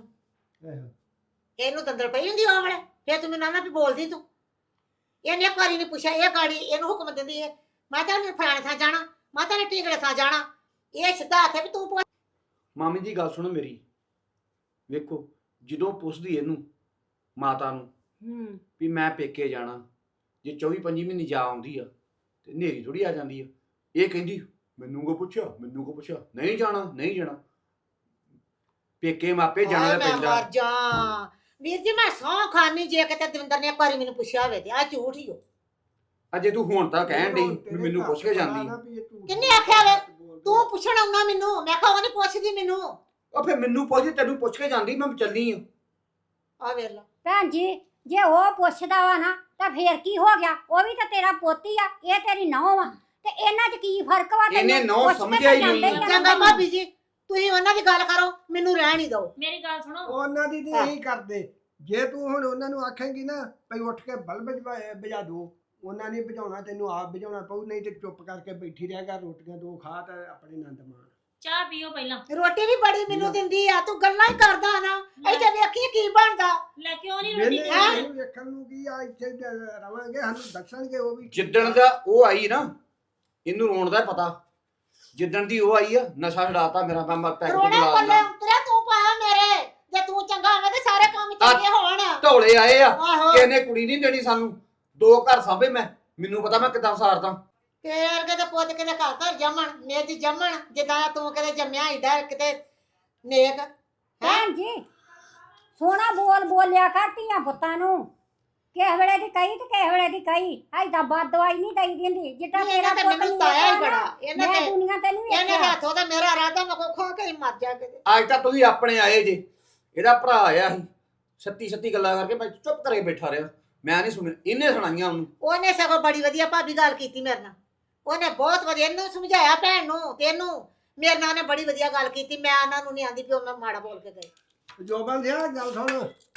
[SPEAKER 3] ਇਹਨੂੰ ਦੰਦਰ ਪਈ ਹੁੰਦੀ ਉਹ ਵੇਲੇ, ਫਿਰ ਤੂੰ ਮੈਨੂੰ ਨਾ ਵੀ ਬੋਲਦੀ ਤੂੰ। ਇਹਨੇ ਇੱਕ ਵਾਰੀ ਨਹੀਂ ਪੁੱਛਿਆ, ਇਹ ਗਾੜੀ ਇਹਨੂੰ ਹੁਕਮ ਦਿੰਦੀ ਹੈ ਮੈਂ ਤਾਂ ਫਲਾਣੇ ਥਾਂ ਜਾਣਾ, ਮੈਂ ਤਾਂ ਟੀਕੜੇ ਥਾਂ ਜਾਣਾ। ਇਹ ਸਿੱਧਾ ਆਖੇ ਵੀ ਤੂੰ ਪੁੱਛ।
[SPEAKER 2] ਮਾਮੀ ਜੀ ਗੱਲ ਸੁਣੋ ਮੇਰੀ। ਵੇਖੋ ਜਦੋਂ ਪੁੱਛਦੀ ਇਹਨੂੰ ਮਾਤਾ ਨੂੰ
[SPEAKER 3] ਹੂੰ
[SPEAKER 2] ਵੀ ਮੈਂ ਪੇਕੇ ਜਾਣਾ, ਜੇ ਚੌਵੀ ਪੰਜੀ ਮਹੀਨੇ ਜਾ ਆਉਂਦੀ ਆ ਤੇ ਨੇਰੀ ਥੋੜੀ ਆ ਜਾਂਦੀ ਆ। ਇਹ ਕਹਿੰਦੀ ਮੈਨੂੰ ਕੋ ਪੁੱਛਿਆ, ਮੈਨੂੰ ਕੋ ਪੁੱਛਿਆ, ਨਹੀਂ ਜਾਣਾ ਨਹੀਂ ਜਾਣਾ। ਪੇਕੇ ਮਾਪੇ ਜਾਣਾ
[SPEAKER 3] ਹਾਏ
[SPEAKER 2] ਤਾਂ
[SPEAKER 3] ਮੈਂ
[SPEAKER 2] ਪੈਂਦਾ।
[SPEAKER 3] ਮਰ ਜਾ ਵੀਰ ਜੀ, ਮੈਂ ਸਹੁੰ ਖਾਨੀ ਜੇ ਕਿਤੇ ਦਵਿੰਦਰ ਨੇ ਇੱਕ ਵਾਰੀ ਮੈਨੂੰ ਪੁੱਛਿਆ ਹੋਵੇ ਤੇ ਆ ਝੂਠ ਹੀ ਹੋ।
[SPEAKER 2] ਅਜੇ ਤੂੰ ਹੁਣ ਤਾਂ ਕਹਿਣ ਡਈ ਵੀ ਮੈਨੂੰ ਪੁੱਛ ਕੇ ਜਾਂਦੀ।
[SPEAKER 3] ਕਿੰਨੇ ਆਖਿਆ ਵੇ ਤੂੰ ਪੁੱਛਣ ਆਉਣਾ ਮੈਨੂੰ? ਮੈਂ ਕਿਹਾ ਉਹ ਨਹੀਂ ਪੁੱਛਦੀ ਮੈਨੂੰ।
[SPEAKER 2] ਉਹ ਫਿਰ ਮੈਨੂੰ ਪੁੱਛਦੀ, ਤੈਨੂੰ ਪੁੱਛ ਕੇ ਜਾਂਦੀ, ਮੈਂ ਚੱਲੀ ਆ।
[SPEAKER 3] ਆ ਵੇਖ ਲਾ
[SPEAKER 4] ਭੈਣ ਜੀ ਜੇ ਉਹ ਪੁੱਛਦਾ ਵਾ ਨਾ ਤਾਂ ਫੇਰ ਕੀ ਹੋ ਗਿਆ? ਉਹ ਵੀ ਤਾਂ ਤੇਰਾ ਪੋਤੀ ਆ, ਇਹ ਤੇਰੀ ਨੌਂ ਆ, ਤੇ ਇਹਨਾਂ 'ਚ ਕੀ ਫਰਕ ਵਾ?
[SPEAKER 2] ਇਹਨੇ
[SPEAKER 4] ਤੈਨੂੰ
[SPEAKER 2] ਨਹੁੰ
[SPEAKER 4] ਪੁੱਛ ਕੇ
[SPEAKER 2] ਸਮਝਿਆ ਹੀ
[SPEAKER 4] ਤਾਂ
[SPEAKER 2] ਨਹੀਂ।
[SPEAKER 4] ਜਾਂਦੇ ਆ ਨਾ
[SPEAKER 3] ਚੰਗਾ
[SPEAKER 4] ਤੈਨੂੰ।
[SPEAKER 3] ਭਾਬੀ ਜੀ ਤੁਸੀਂ ਉਹਨਾਂ ਦੀ ਗੱਲ ਕਰੋ, ਮੈਨੂੰ ਰਹਿਣ ਹੀ ਦਿਓ।
[SPEAKER 1] ਮੇਰੀ ਗੱਲ ਸੁਣੋ,
[SPEAKER 5] ਉਹਨਾਂ ਦੀ ਨਹੀਂ ਇਹੀ ਕਰਦੇ। ਜੇ ਤੂੰ ਹੁਣ ਉਹਨਾਂ ਨੂੰ ਆਖੇਂਗੀ ਨਾ ਭਈ ਉੱਠ ਕੇ ਬਲਬ ਬੁਝਾ ਦੋ, ਉਹਨਾਂ ਨੇ ਬੁਝਾਉਣਾ, ਤੈਨੂੰ ਆਪ ਬੁਝਾਉਣਾ ਪਊ। ਨਹੀਂ ਤੇ ਚੁੱਪ ਕਰਕੇ ਬੈਠੀ ਰਹਿ ਕਰ, ਰੋਟੀਆਂ ਦੋ ਖਾ ਤੇ ਆਪਣੇ ਆਨੰਦ ਮਾਣ।
[SPEAKER 1] ਚਾਹ ਪੀਓ ਪਹਿਲਾਂ।
[SPEAKER 3] ਰੋਟੀ ਵੀ ਬੜੀ ਮੈਨੂੰ ਦਿੰਦੀ ਆ, ਤੂੰ ਗੱਲਾਂ ਹੀ ਕਰਦਾ ਨਾ। ਇੱਥੇ ਵੇਖੀ ਕੀ ਬਣਦਾ।
[SPEAKER 1] ਲੈ ਕਿਉਂ ਨਹੀਂ
[SPEAKER 5] ਵੇਲੇ
[SPEAKER 1] ਰੋਟੀ
[SPEAKER 3] ਹੈਂ?
[SPEAKER 5] ਨਹੀਂ ਵੇਖਣ ਨੂੰ ਕੀ ਆ, ਇੱਥੇ ਰਵਾਂਗੇ, ਸਾਨੂੰ ਦੱਸਣਗੇ ਉਹ ਵੀ।
[SPEAKER 2] ਜਿੱਦਣ ਦਾ ਉਹ ਆਈ ਨਾ, ਇਹਨੂੰ ਰੋਣ ਦਾ ਪਤਾ। ਜਿੱਦਣ ਦੀ ਉਹ ਆਈ ਆ, ਨਸ਼ਾ ਛਡਾਤਾ ਮੇਰਾ। ਮੈਂ ਮਰ ਪੈਕ
[SPEAKER 3] ਰੋਣੇ
[SPEAKER 2] ਬੁਲਾ
[SPEAKER 3] ਪੱਲੇ
[SPEAKER 2] ਦਿੰਦਾ।
[SPEAKER 3] ਉਤਰਿਆ ਤੂੰ ਪਾਇਆ ਮੇਰੇ। ਜੇ ਤੂੰ ਚੰਗਾ ਹੋਵੇ ਤੇ ਸਾਰੇ ਕੰਮ ਚੰਗੇ ਹੋਣ।
[SPEAKER 2] ਢੋਲੇ ਆਏ ਆ,
[SPEAKER 3] ਆਹੋ
[SPEAKER 2] ਕਿਸੇ ਨੇ ਕੁੜੀ ਨਹੀਂ ਦੇਣੀ ਸਾਨੂੰ। ਦੋ ਘਰ ਸਾਂਭੇ ਮੈਂ, ਮੈਨੂੰ ਪਤਾ ਮੈਂ ਕਿੱਦਾਂ ਸਾਰਦਾ।
[SPEAKER 3] ਫੇਰ ਕਿਤੇ ਪੁੱਤ ਕਿਤੇ ਘਰ ਘਰ ਜੰਮਣ, ਨਿੱਜ ਜੰਮਣ, ਜਿੱਦਾਂ ਤੂੰ ਕਿਤੇ ਜੰਮਿਆ ਏਡਾ ਕਿਤੇ ਨੇਕ।
[SPEAKER 4] ਭੈਣ ਜੀ ਸੋਹਣਾ ਬੋਲ ਬੋਲਿਆ ਕਰ ਧੀਆਂ ਪੁੱਤਾਂ ਨੂੰ। ਕਿਸੇ ਵੇਲੇ ਦੀ ਕਹੀ ਤੇ ਕਿਸੇ ਵੇਲੇ ਦੀ ਕਹੀ ਐਦਾਂ ਬਾਦ ਦਵਾਈ ਨਹੀਂ ਦਈ ਦਿੰਦੀ ਜਿੱਦਾਂ
[SPEAKER 3] ਇਹਨੇ
[SPEAKER 4] ਤੇਰਾ
[SPEAKER 3] ਤੇ
[SPEAKER 4] ਪੁੱਤ
[SPEAKER 3] ਮੈਨੂੰ
[SPEAKER 4] ਨਹੀਂ
[SPEAKER 3] ਤਾਇਆ ਹੀ
[SPEAKER 4] ਵੇਖਿਆ
[SPEAKER 3] ਬੜਾ
[SPEAKER 4] ਨਾ,
[SPEAKER 3] ਇਹਨੇ
[SPEAKER 4] ਮੈਂ
[SPEAKER 3] ਤੇ
[SPEAKER 4] ਦੁਨੀਆ ਤੇ ਨਹੀਂ
[SPEAKER 3] ਇਹਨੇ ਦੇ
[SPEAKER 4] ਵੇਖਿਆ।
[SPEAKER 3] ਹੱਥੋਂ ਤਾਂ ਮੇਰਾ ਇਰਾਦਾ ਮੈਂ ਕੋ ਖਾ ਕੇ ਹੀ ਮਰ ਜਾ ਕਿਤੇ।
[SPEAKER 2] ਅੱਜ ਤਾਂ ਤੁਸੀਂ ਆਪਣੇ ਆਏ ਜੇ, ਇਹਦਾ ਭਰਾ ਆਇਆ ਸੀ ਛੱਤੀ ਛੱਤੀ ਗੱਲਾਂ ਕਰਕੇ ਮੈਂ ਚੁੱਪ ਕਰੇ ਬੈਠਾ ਰਿਹਾ, ਮੈਂ ਨਹੀਂ ਸੁਣਿਆ, ਇਹਨੇ ਸੁਣਾਈਆਂ ਉਹਨੂੰ।
[SPEAKER 3] ਉਹਨੇ ਸਗੋਂ ਬੜੀ ਵਧੀਆ ਭਾਬੀ ਗੱਲ ਕੀਤੀ ਮੇਰੇ ਨਾਲ, ਉਹਨੇ ਬਹੁਤ ਵਧੀਆ ਇਹਨੂੰ ਸਮਝਾਇਆ ਭੈਣ ਨੂੰ ਤੈਨੂੰ, ਮੇਰੇ ਨਾਲ ਉਹਨੇ ਬੜੀ ਵਧੀਆ ਗੱਲ ਕੀਤੀ। ਮੈਂ ਉਹਨਾਂ ਨੂੰ ਨਹੀਂ ਆਂਦੀ ਵੀ ਉਹ ਮੈਂ ਮਾੜਾ ਬੋਲ ਕੇ ਗਈ।
[SPEAKER 5] ਜੋਬਨ ਦਿਆ ਗੱਲ ਸੁਣ,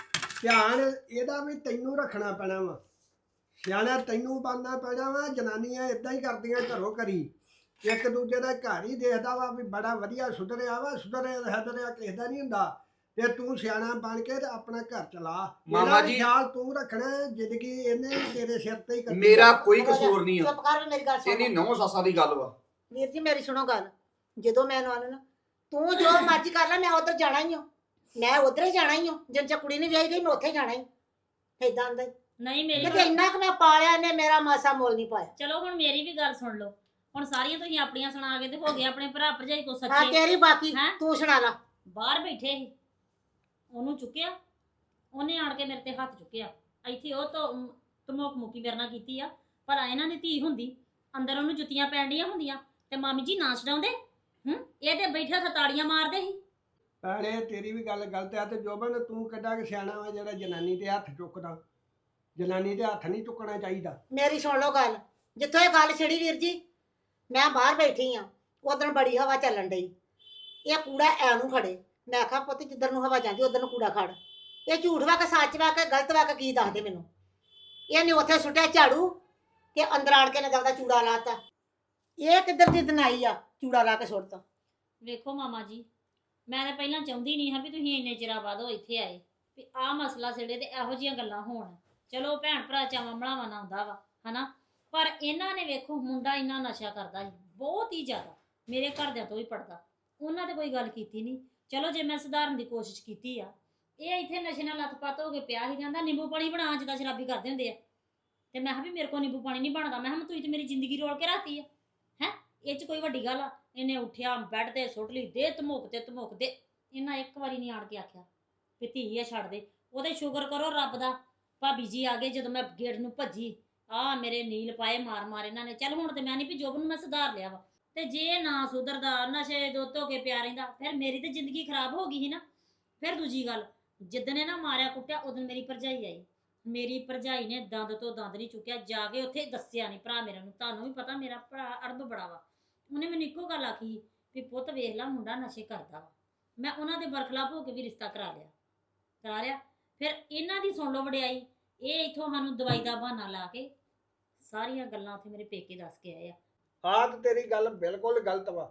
[SPEAKER 5] ਧਿਆਨ ਇਹਦਾ ਵੀ ਤੈਨੂੰ ਰੱਖਣਾ ਪੈਣਾ ਵਾ, ਸਿਆਣਾ ਤੈਨੂੰ ਬਣਨਾ ਪੈਣਾ ਵਾ। ਜਨਾਨੀਆਂ ਇਦਾਂ ਹੀ ਕਰਦੀਆਂ ਘਰੋਂ ਘਰੀ, ਇੱਕ ਦੂਜੇ ਦਾ ਘਰ ਹੀ ਦੇਖਦਾ ਵਾ ਵੀ ਬੜਾ ਵਧੀਆ ਸੁਧਰਿਆ ਵਾ, ਸੁਧਰਿਆ ਹਦਰਿਆ ਕਿਸੇ ਦਾ ਨਹੀਂ ਹੁੰਦਾ। ਤੇ ਤੂੰ ਸਿਆਣਾ ਬਣ ਕੇ ਤੇ ਆਪਣਾ ਘਰ ਚਲਾ।
[SPEAKER 2] ਮਾਮਾ
[SPEAKER 5] ਇਹਦਾ ਵੀ
[SPEAKER 2] ਜੀ-
[SPEAKER 5] ਖਿਆਲ ਤੂੰ ਰੱਖਣਾ, ਜ਼ਿੰਦਗੀ ਇਹਨੇ ਵੀ ਤੇਰੇ ਸਿਰ ਤੇ ਹੀ ਕੱਢੀ।
[SPEAKER 2] ਮੇਰਾ ਕੋਈ ਕਸੂਰ ਨਹੀਂ ਆ,
[SPEAKER 3] ਚੁੱਪ ਕਰ ਵੀ ਮੇਰੀ ਗੱਲ ਸੁਣ।
[SPEAKER 2] ਇਹਦੀ ਨੌ ਸੱਸਾਂ ਦੀ ਗੱਲ ਵਾ।
[SPEAKER 3] ਵੀਰ ਜੀ ਮੇਰੀ ਸੁਣੋ ਗੱਲ, ਜਦੋਂ ਮੈਂ ਨਾਲ ਨਾ ਤੂੰ ਜੋ ਮਰਜ਼ੀ ਕਰ ਲੈ, ਮੈਂ ਉਧਰ ਜਾਣਾ ਹੀ ਹਾਂ, ਮੈਂ ਉਧਰ ਹੀ ਜਾਣਾ ਹੀ ਹਾਂ। ਜਿੰਨ ਚ ਕੁੜੀ ਨਹੀਂ ਵਿਆਹੀ ਗਈ ਮੈਂ ਉੱਥੇ ਜਾਣਾ ਹੀ। ਏਦਾਂ ਦਾ
[SPEAKER 1] ਨਹੀਂ ਮੇਰੀ
[SPEAKER 3] ਕਿਤੇ ਇੰਨਾ ਕਿ ਮੈਂ ਪਾਲਿਆ ਇਹਨੇ ਮੇਰਾ ਮਾਸਾ ਮੋਲ ਨਹੀਂ ਪਾਇਆ।
[SPEAKER 1] ਚਲੋ ਹੁਣ ਮੇਰੀ ਵੀ ਗੱਲ ਸੁਣ ਲਓ। ਹੁਣ ਸਾਰੀਆਂ ਤੁਸੀਂ ਆਪਣੀਆਂ ਸੁਣਾ ਕੇ ਤੇ ਹੋ ਗਏ ਆਪਣੇ ਭਰਾ ਭਰਜਾਈ ਕੋ
[SPEAKER 3] ਹਾਂ
[SPEAKER 1] ਸੱਚੇ।
[SPEAKER 3] ਤੇਰੀ ਬਾਕੀ
[SPEAKER 1] ਹੈਂ?
[SPEAKER 3] ਤੂੰ ਸੁਣਾ ਲਾ।
[SPEAKER 1] ਬਾਹਰ ਬੈਠੇ ਸੀ, ਉਹਨੂੰ ਚੁੱਕਿਆ, ਉਹਨੇ ਆਣ ਕੇ ਮੇਰੇ ਤੇ ਹੱਥ ਚੁੱਕਿਆ। ਇੱਥੇ ਉਹ ਤੋਂ ਧਮੋਕ ਮੁੱਕੀ ਮੇਰੇ ਨਾਲ ਕੀਤੀ ਆ, ਪਰ ਇਹਨਾਂ ਦੀ ਧੀ ਹੁੰਦੀ ਅੰਦਰ ਉਹਨੂੰ ਜੁੱਤੀਆਂ ਪੈਣ ਡੀਆਂ ਹੁੰਦੀਆਂ ਤੇ ਮਾਮੀ ਜੀ ਨਾ ਛਡਾਉਂਦੇ। ਹੂੰ ਇਹ ਤੇ ਬੈਠਾ ਥਤਾੜੀਆਂ ਮਾਰਦੇ ਸੀ।
[SPEAKER 5] ਭੈਣੇ ਤੇਰੀ ਵੀ ਗੱਲ ਗਲਤ ਆ। ਤੇ ਜੋਬਨ ਤੂੰ ਕਿੱਡਾ ਕਿ ਸਿਆਣਾ ਵਾ ਜਿਹੜਾ ਜਨਾਨੀ ਤੇ ਹੱਥ ਚੁੱਕਦਾ। ਜਨਾਨੀ ਦੇ ਹੱਥ ਨਹੀਂ ਚੁੱਕਣਾ ਚਾਹੀਦਾ।
[SPEAKER 3] ਮੇਰੀ ਸੁਣ ਲਓ ਗੱਲ, ਜਿੱਥੋਂ ਇਹ ਗੱਲ ਛਿੜੀ ਵੀਰ ਜੀ, ਮੈਂ ਬਾਹਰ ਬੈਠੀ ਆ, ਉਧਰ ਬੜੀ ਹਵਾ ਚੱਲਣ ਡਈ, ਇਹ ਕੂੜਾ ਐ ਨੂੰ ਖੜੇ। ਮੈਂ ਆਖਿਆ ਪੁੱਤ ਜਿੱਧਰ ਨੂੰ ਹਵਾ ਜਾਂਦੀ ਉਧਰ ਨੂੰ ਕੂੜਾ ਖੜ। ਇਹ ਝੂਠ ਵਾ ਕੇ ਸੱਚ ਵਾ ਕੇ ਗਲਤ ਵਾ ਕੇ ਕੀ ਦੱਸਦੇ ਮੈਨੂੰ। ਇਹਨੇ ਉੱਥੇ ਸੁੱਟਿਆ ਝਾੜੂ ਤੇ ਅੰਦਰ ਆਣ ਕੇ ਨੇ ਦਵਦਾ ਚੂੜਾ ਲਾਤਾ। ਇਹ ਕਿੱਧਰ ਦੀ ਦਨਾਈ ਆ, ਚੂੜਾ ਲਾ ਕੇ ਸੁੱਟਤਾ।
[SPEAKER 1] ਵੇਖੋ ਮਾਮਾ ਜੀ, ਮੈਂ ਤਾਂ ਪਹਿਲਾਂ ਚਾਹੁੰਦੀ ਨਹੀਂ ਹਾਂ ਵੀ ਤੁਸੀਂ ਇੰਨੇ ਚਿਰਾਂ ਬਾਅਦ ਉਹ ਇੱਥੇ ਆਏ ਵੀ ਆਹ ਮਸਲਾ ਛਿੜੇ ਤੇ ਇਹੋ ਜਿਹੀਆਂ ਗੱਲਾਂ ਹੋਣ। ਚਲੋ ਭੈਣ ਭਰਾ ਚਾਵਾਂ ਬਣਾਵਾਂ ਨਾ ਹੁੰਦਾ ਵਾ ਹਨਾ, ਪਰ ਇਹਨਾਂ ਨੇ ਵੇਖੋ ਮੁੰਡਾ ਇੰਨਾ ਨਸ਼ਾ ਕਰਦਾ ਸੀ, ਬਹੁਤ ਹੀ ਜ਼ਿਆਦਾ, ਮੇਰੇ ਘਰਦਿਆਂ ਤੋਂ ਵੀ ਪੜਦਾ। ਉਹਨਾਂ ਤੇ ਕੋਈ ਗੱਲ ਕੀਤੀ ਨਹੀਂ। ਚਲੋ ਜੇ ਮੈਂ ਸੁਧਾਰਨ ਦੀ ਕੋਸ਼ਿਸ਼ ਕੀਤੀ ਆ, ਇਹ ਇੱਥੇ ਨਸ਼ੇ ਨਾਲ ਲੱਥਪੱਤ ਹੋ ਕੇ ਪਿਆ ਹੀ ਜਾਂਦਾ। ਨਿੰਬੂ ਪਾਣੀ ਬਣਾ ਜਿੱਦਾਂ ਸ਼ਰਾਬੀ ਕਰਦੇ ਹੁੰਦੇ ਆ, ਤੇ ਮੈਂ ਕਿਹਾ ਵੀ ਮੇਰੇ ਕੋਲ ਨਿੰਬੂ ਪਾਣੀ ਨਹੀਂ ਬਣਦਾ। ਮੈਂ ਕਿਹਾ ਤੁਸੀਂ ਤੇ ਮੇਰੀ ਜ਼ਿੰਦਗੀ ਰੋਲ ਕੇ ਰਾਤੀ ਆ ਹੈ, ਇਹ 'ਚ ਕੋਈ ਵੱਡੀ ਗੱਲ ਆ। ਇਹਨੇ ਉੱਠਿਆ ਬੈੱਡ ਤੇ ਸੁੱਟ ਲਈ, ਦੇ ਧਮੋਕ ਤੇ ਧਮੋਕ ਦੇ। ਇਹਨਾਂ ਇੱਕ ਵਾਰੀ ਨਹੀਂ ਆਣ ਕੇ ਆਖਿਆ ਵੀ ਧੀ ਆ ਛੱਡ ਦੇ। ਉਹਦੇ ਸ਼ੁਕਰ ਕਰੋ ਰੱਬ ਦਾ, ਭਾਬੀ ਜੀ ਆ ਗਏ ਜਦੋਂ ਮੈਂ ਗੇਟ ਨੂੰ ਭੱਜੀ, ਆ ਮੇਰੇ ਨੀਲ ਪਾਏ ਮਾਰ ਮਾਰ ਇਹਨਾਂ ਨੇ। ਚੱਲ ਹੁਣ ਤੇ ਮੈਂ ਨਹੀਂ ਵੀ ਜੋਬ ਨੂੰ ਮੈਂ ਸੁਧਾਰ ਲਿਆ ਵਾ, ਤੇ ਜੇ ਨਾ ਸੁਧਰਦਾ, ਨਸ਼ੇ ਦੋ ਧੋ ਕੇ ਪਿਆ ਰਹਿੰਦਾ, ਫਿਰ ਮੇਰੀ ਤੇ ਜ਼ਿੰਦਗੀ ਖਰਾਬ ਹੋ ਗਈ ਸੀ ਨਾ। ਫਿਰ ਦੂਜੀ ਗੱਲ, ਜਿੱਦਣ ਇਹ ਨਾ ਮਾਰਿਆ ਕੁੱਟਿਆ ਉਦੋਂ ਮੇਰੀ ਭਰਜਾਈ ਆਈ। ਮੇਰੀ ਭਰਜਾਈ ਨੇ ਦੰਦ ਤੋਂ ਦੰਦ ਨਹੀਂ ਚੁੱਕਿਆ, ਜਾ ਕੇ ਉੱਥੇ ਦੱਸਿਆ ਨਹੀਂ ਭਰਾ ਮੇਰੇ ਨੂੰ। ਤੁਹਾਨੂੰ ਵੀ ਪਤਾ ਮੇਰਾ ਭਰਾ ਅੜਬ ਬੜਾ ਵਾ। ਉਹਨੇ ਮੈਨੂੰ ਇੱਕੋ ਗੱਲ ਆਖੀ ਵੀ ਪੁੱਤ ਵੇਖ ਲਾ ਮੁੰਡਾ ਨਸ਼ੇ ਕਰਦਾ ਵਾ। ਮੈਂ ਉਹਨਾਂ ਦੇ ਬਰਖਲਾਫ ਹੋ ਕੇ ਵੀ ਰਿਸ਼ਤਾ ਕਰਾ ਲਿਆ ਕਰਾ ਲਿਆ ਫਿਰ ਇਹਨਾਂ ਦੀ ਸੁਣ ਲਓ ਵਡਿਆਈ, ਇਹ ਇੱਥੋਂ ਸਾਨੂੰ ਦਵਾਈ ਦਾ ਬਹਾਨਾ ਲਾ ਕੇ ਸਾਰੀਆਂ ਗੱਲਾਂ ਉੱਥੇ ਮੇਰੇ ਪੇਕੇ ਦੱਸ ਕੇ ਆਏ ਆ।
[SPEAKER 5] ਆਹ ਤੇ ਤੇਰੀ ਗੱਲ ਬਿਲਕੁਲ ਗਲਤ ਵਾ।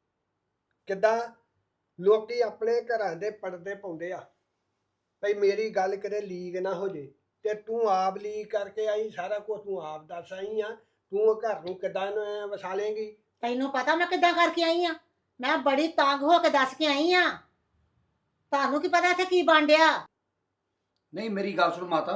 [SPEAKER 5] ਕਿੱਦਾਂ ਲੋਕੀ ਆਪਣੇ ਘਰਾਂ ਦੇ ਪਰਦੇ ਪਾਉਂਦੇ ਆ ਭਈ ਮੇਰੀ ਗੱਲ ਕਿਤੇ ਲੀਕ ਨਾ ਹੋ ਜੇ, ਤੇ ਤੂੰ ਆਪ ਲੀਕ ਕਰਕੇ ਆਈ, ਸਾਰਾ ਕੁਝ ਤੂੰ ਆਪ ਦੱਸ ਆਈ ਆ। ਤੂੰ ਘਰ ਨੂੰ ਕਿੱਦਾਂ ਵਸਾ ਲੇਂਗੀ?
[SPEAKER 3] ਤੈਨੂੰ ਪਤਾ ਮੈਂ ਕਿੱਦਾਂ ਕਰਕੇ ਆਈ ਆ? ਮੈਂ ਬੜੀ ਤੰਗ ਹੋ ਕੇ ਦੱਸ ਕੇ ਆਈ ਆ। ਤੁਹਾਨੂੰ ਕੀ ਪਤਾ ਇੱਥੇ ਕੀ ਬਣ ਡਿਆ?
[SPEAKER 2] ਨਹੀਂ ਮੇਰੀ ਗੱਲ ਸੁਣ ਮਾਤਾ,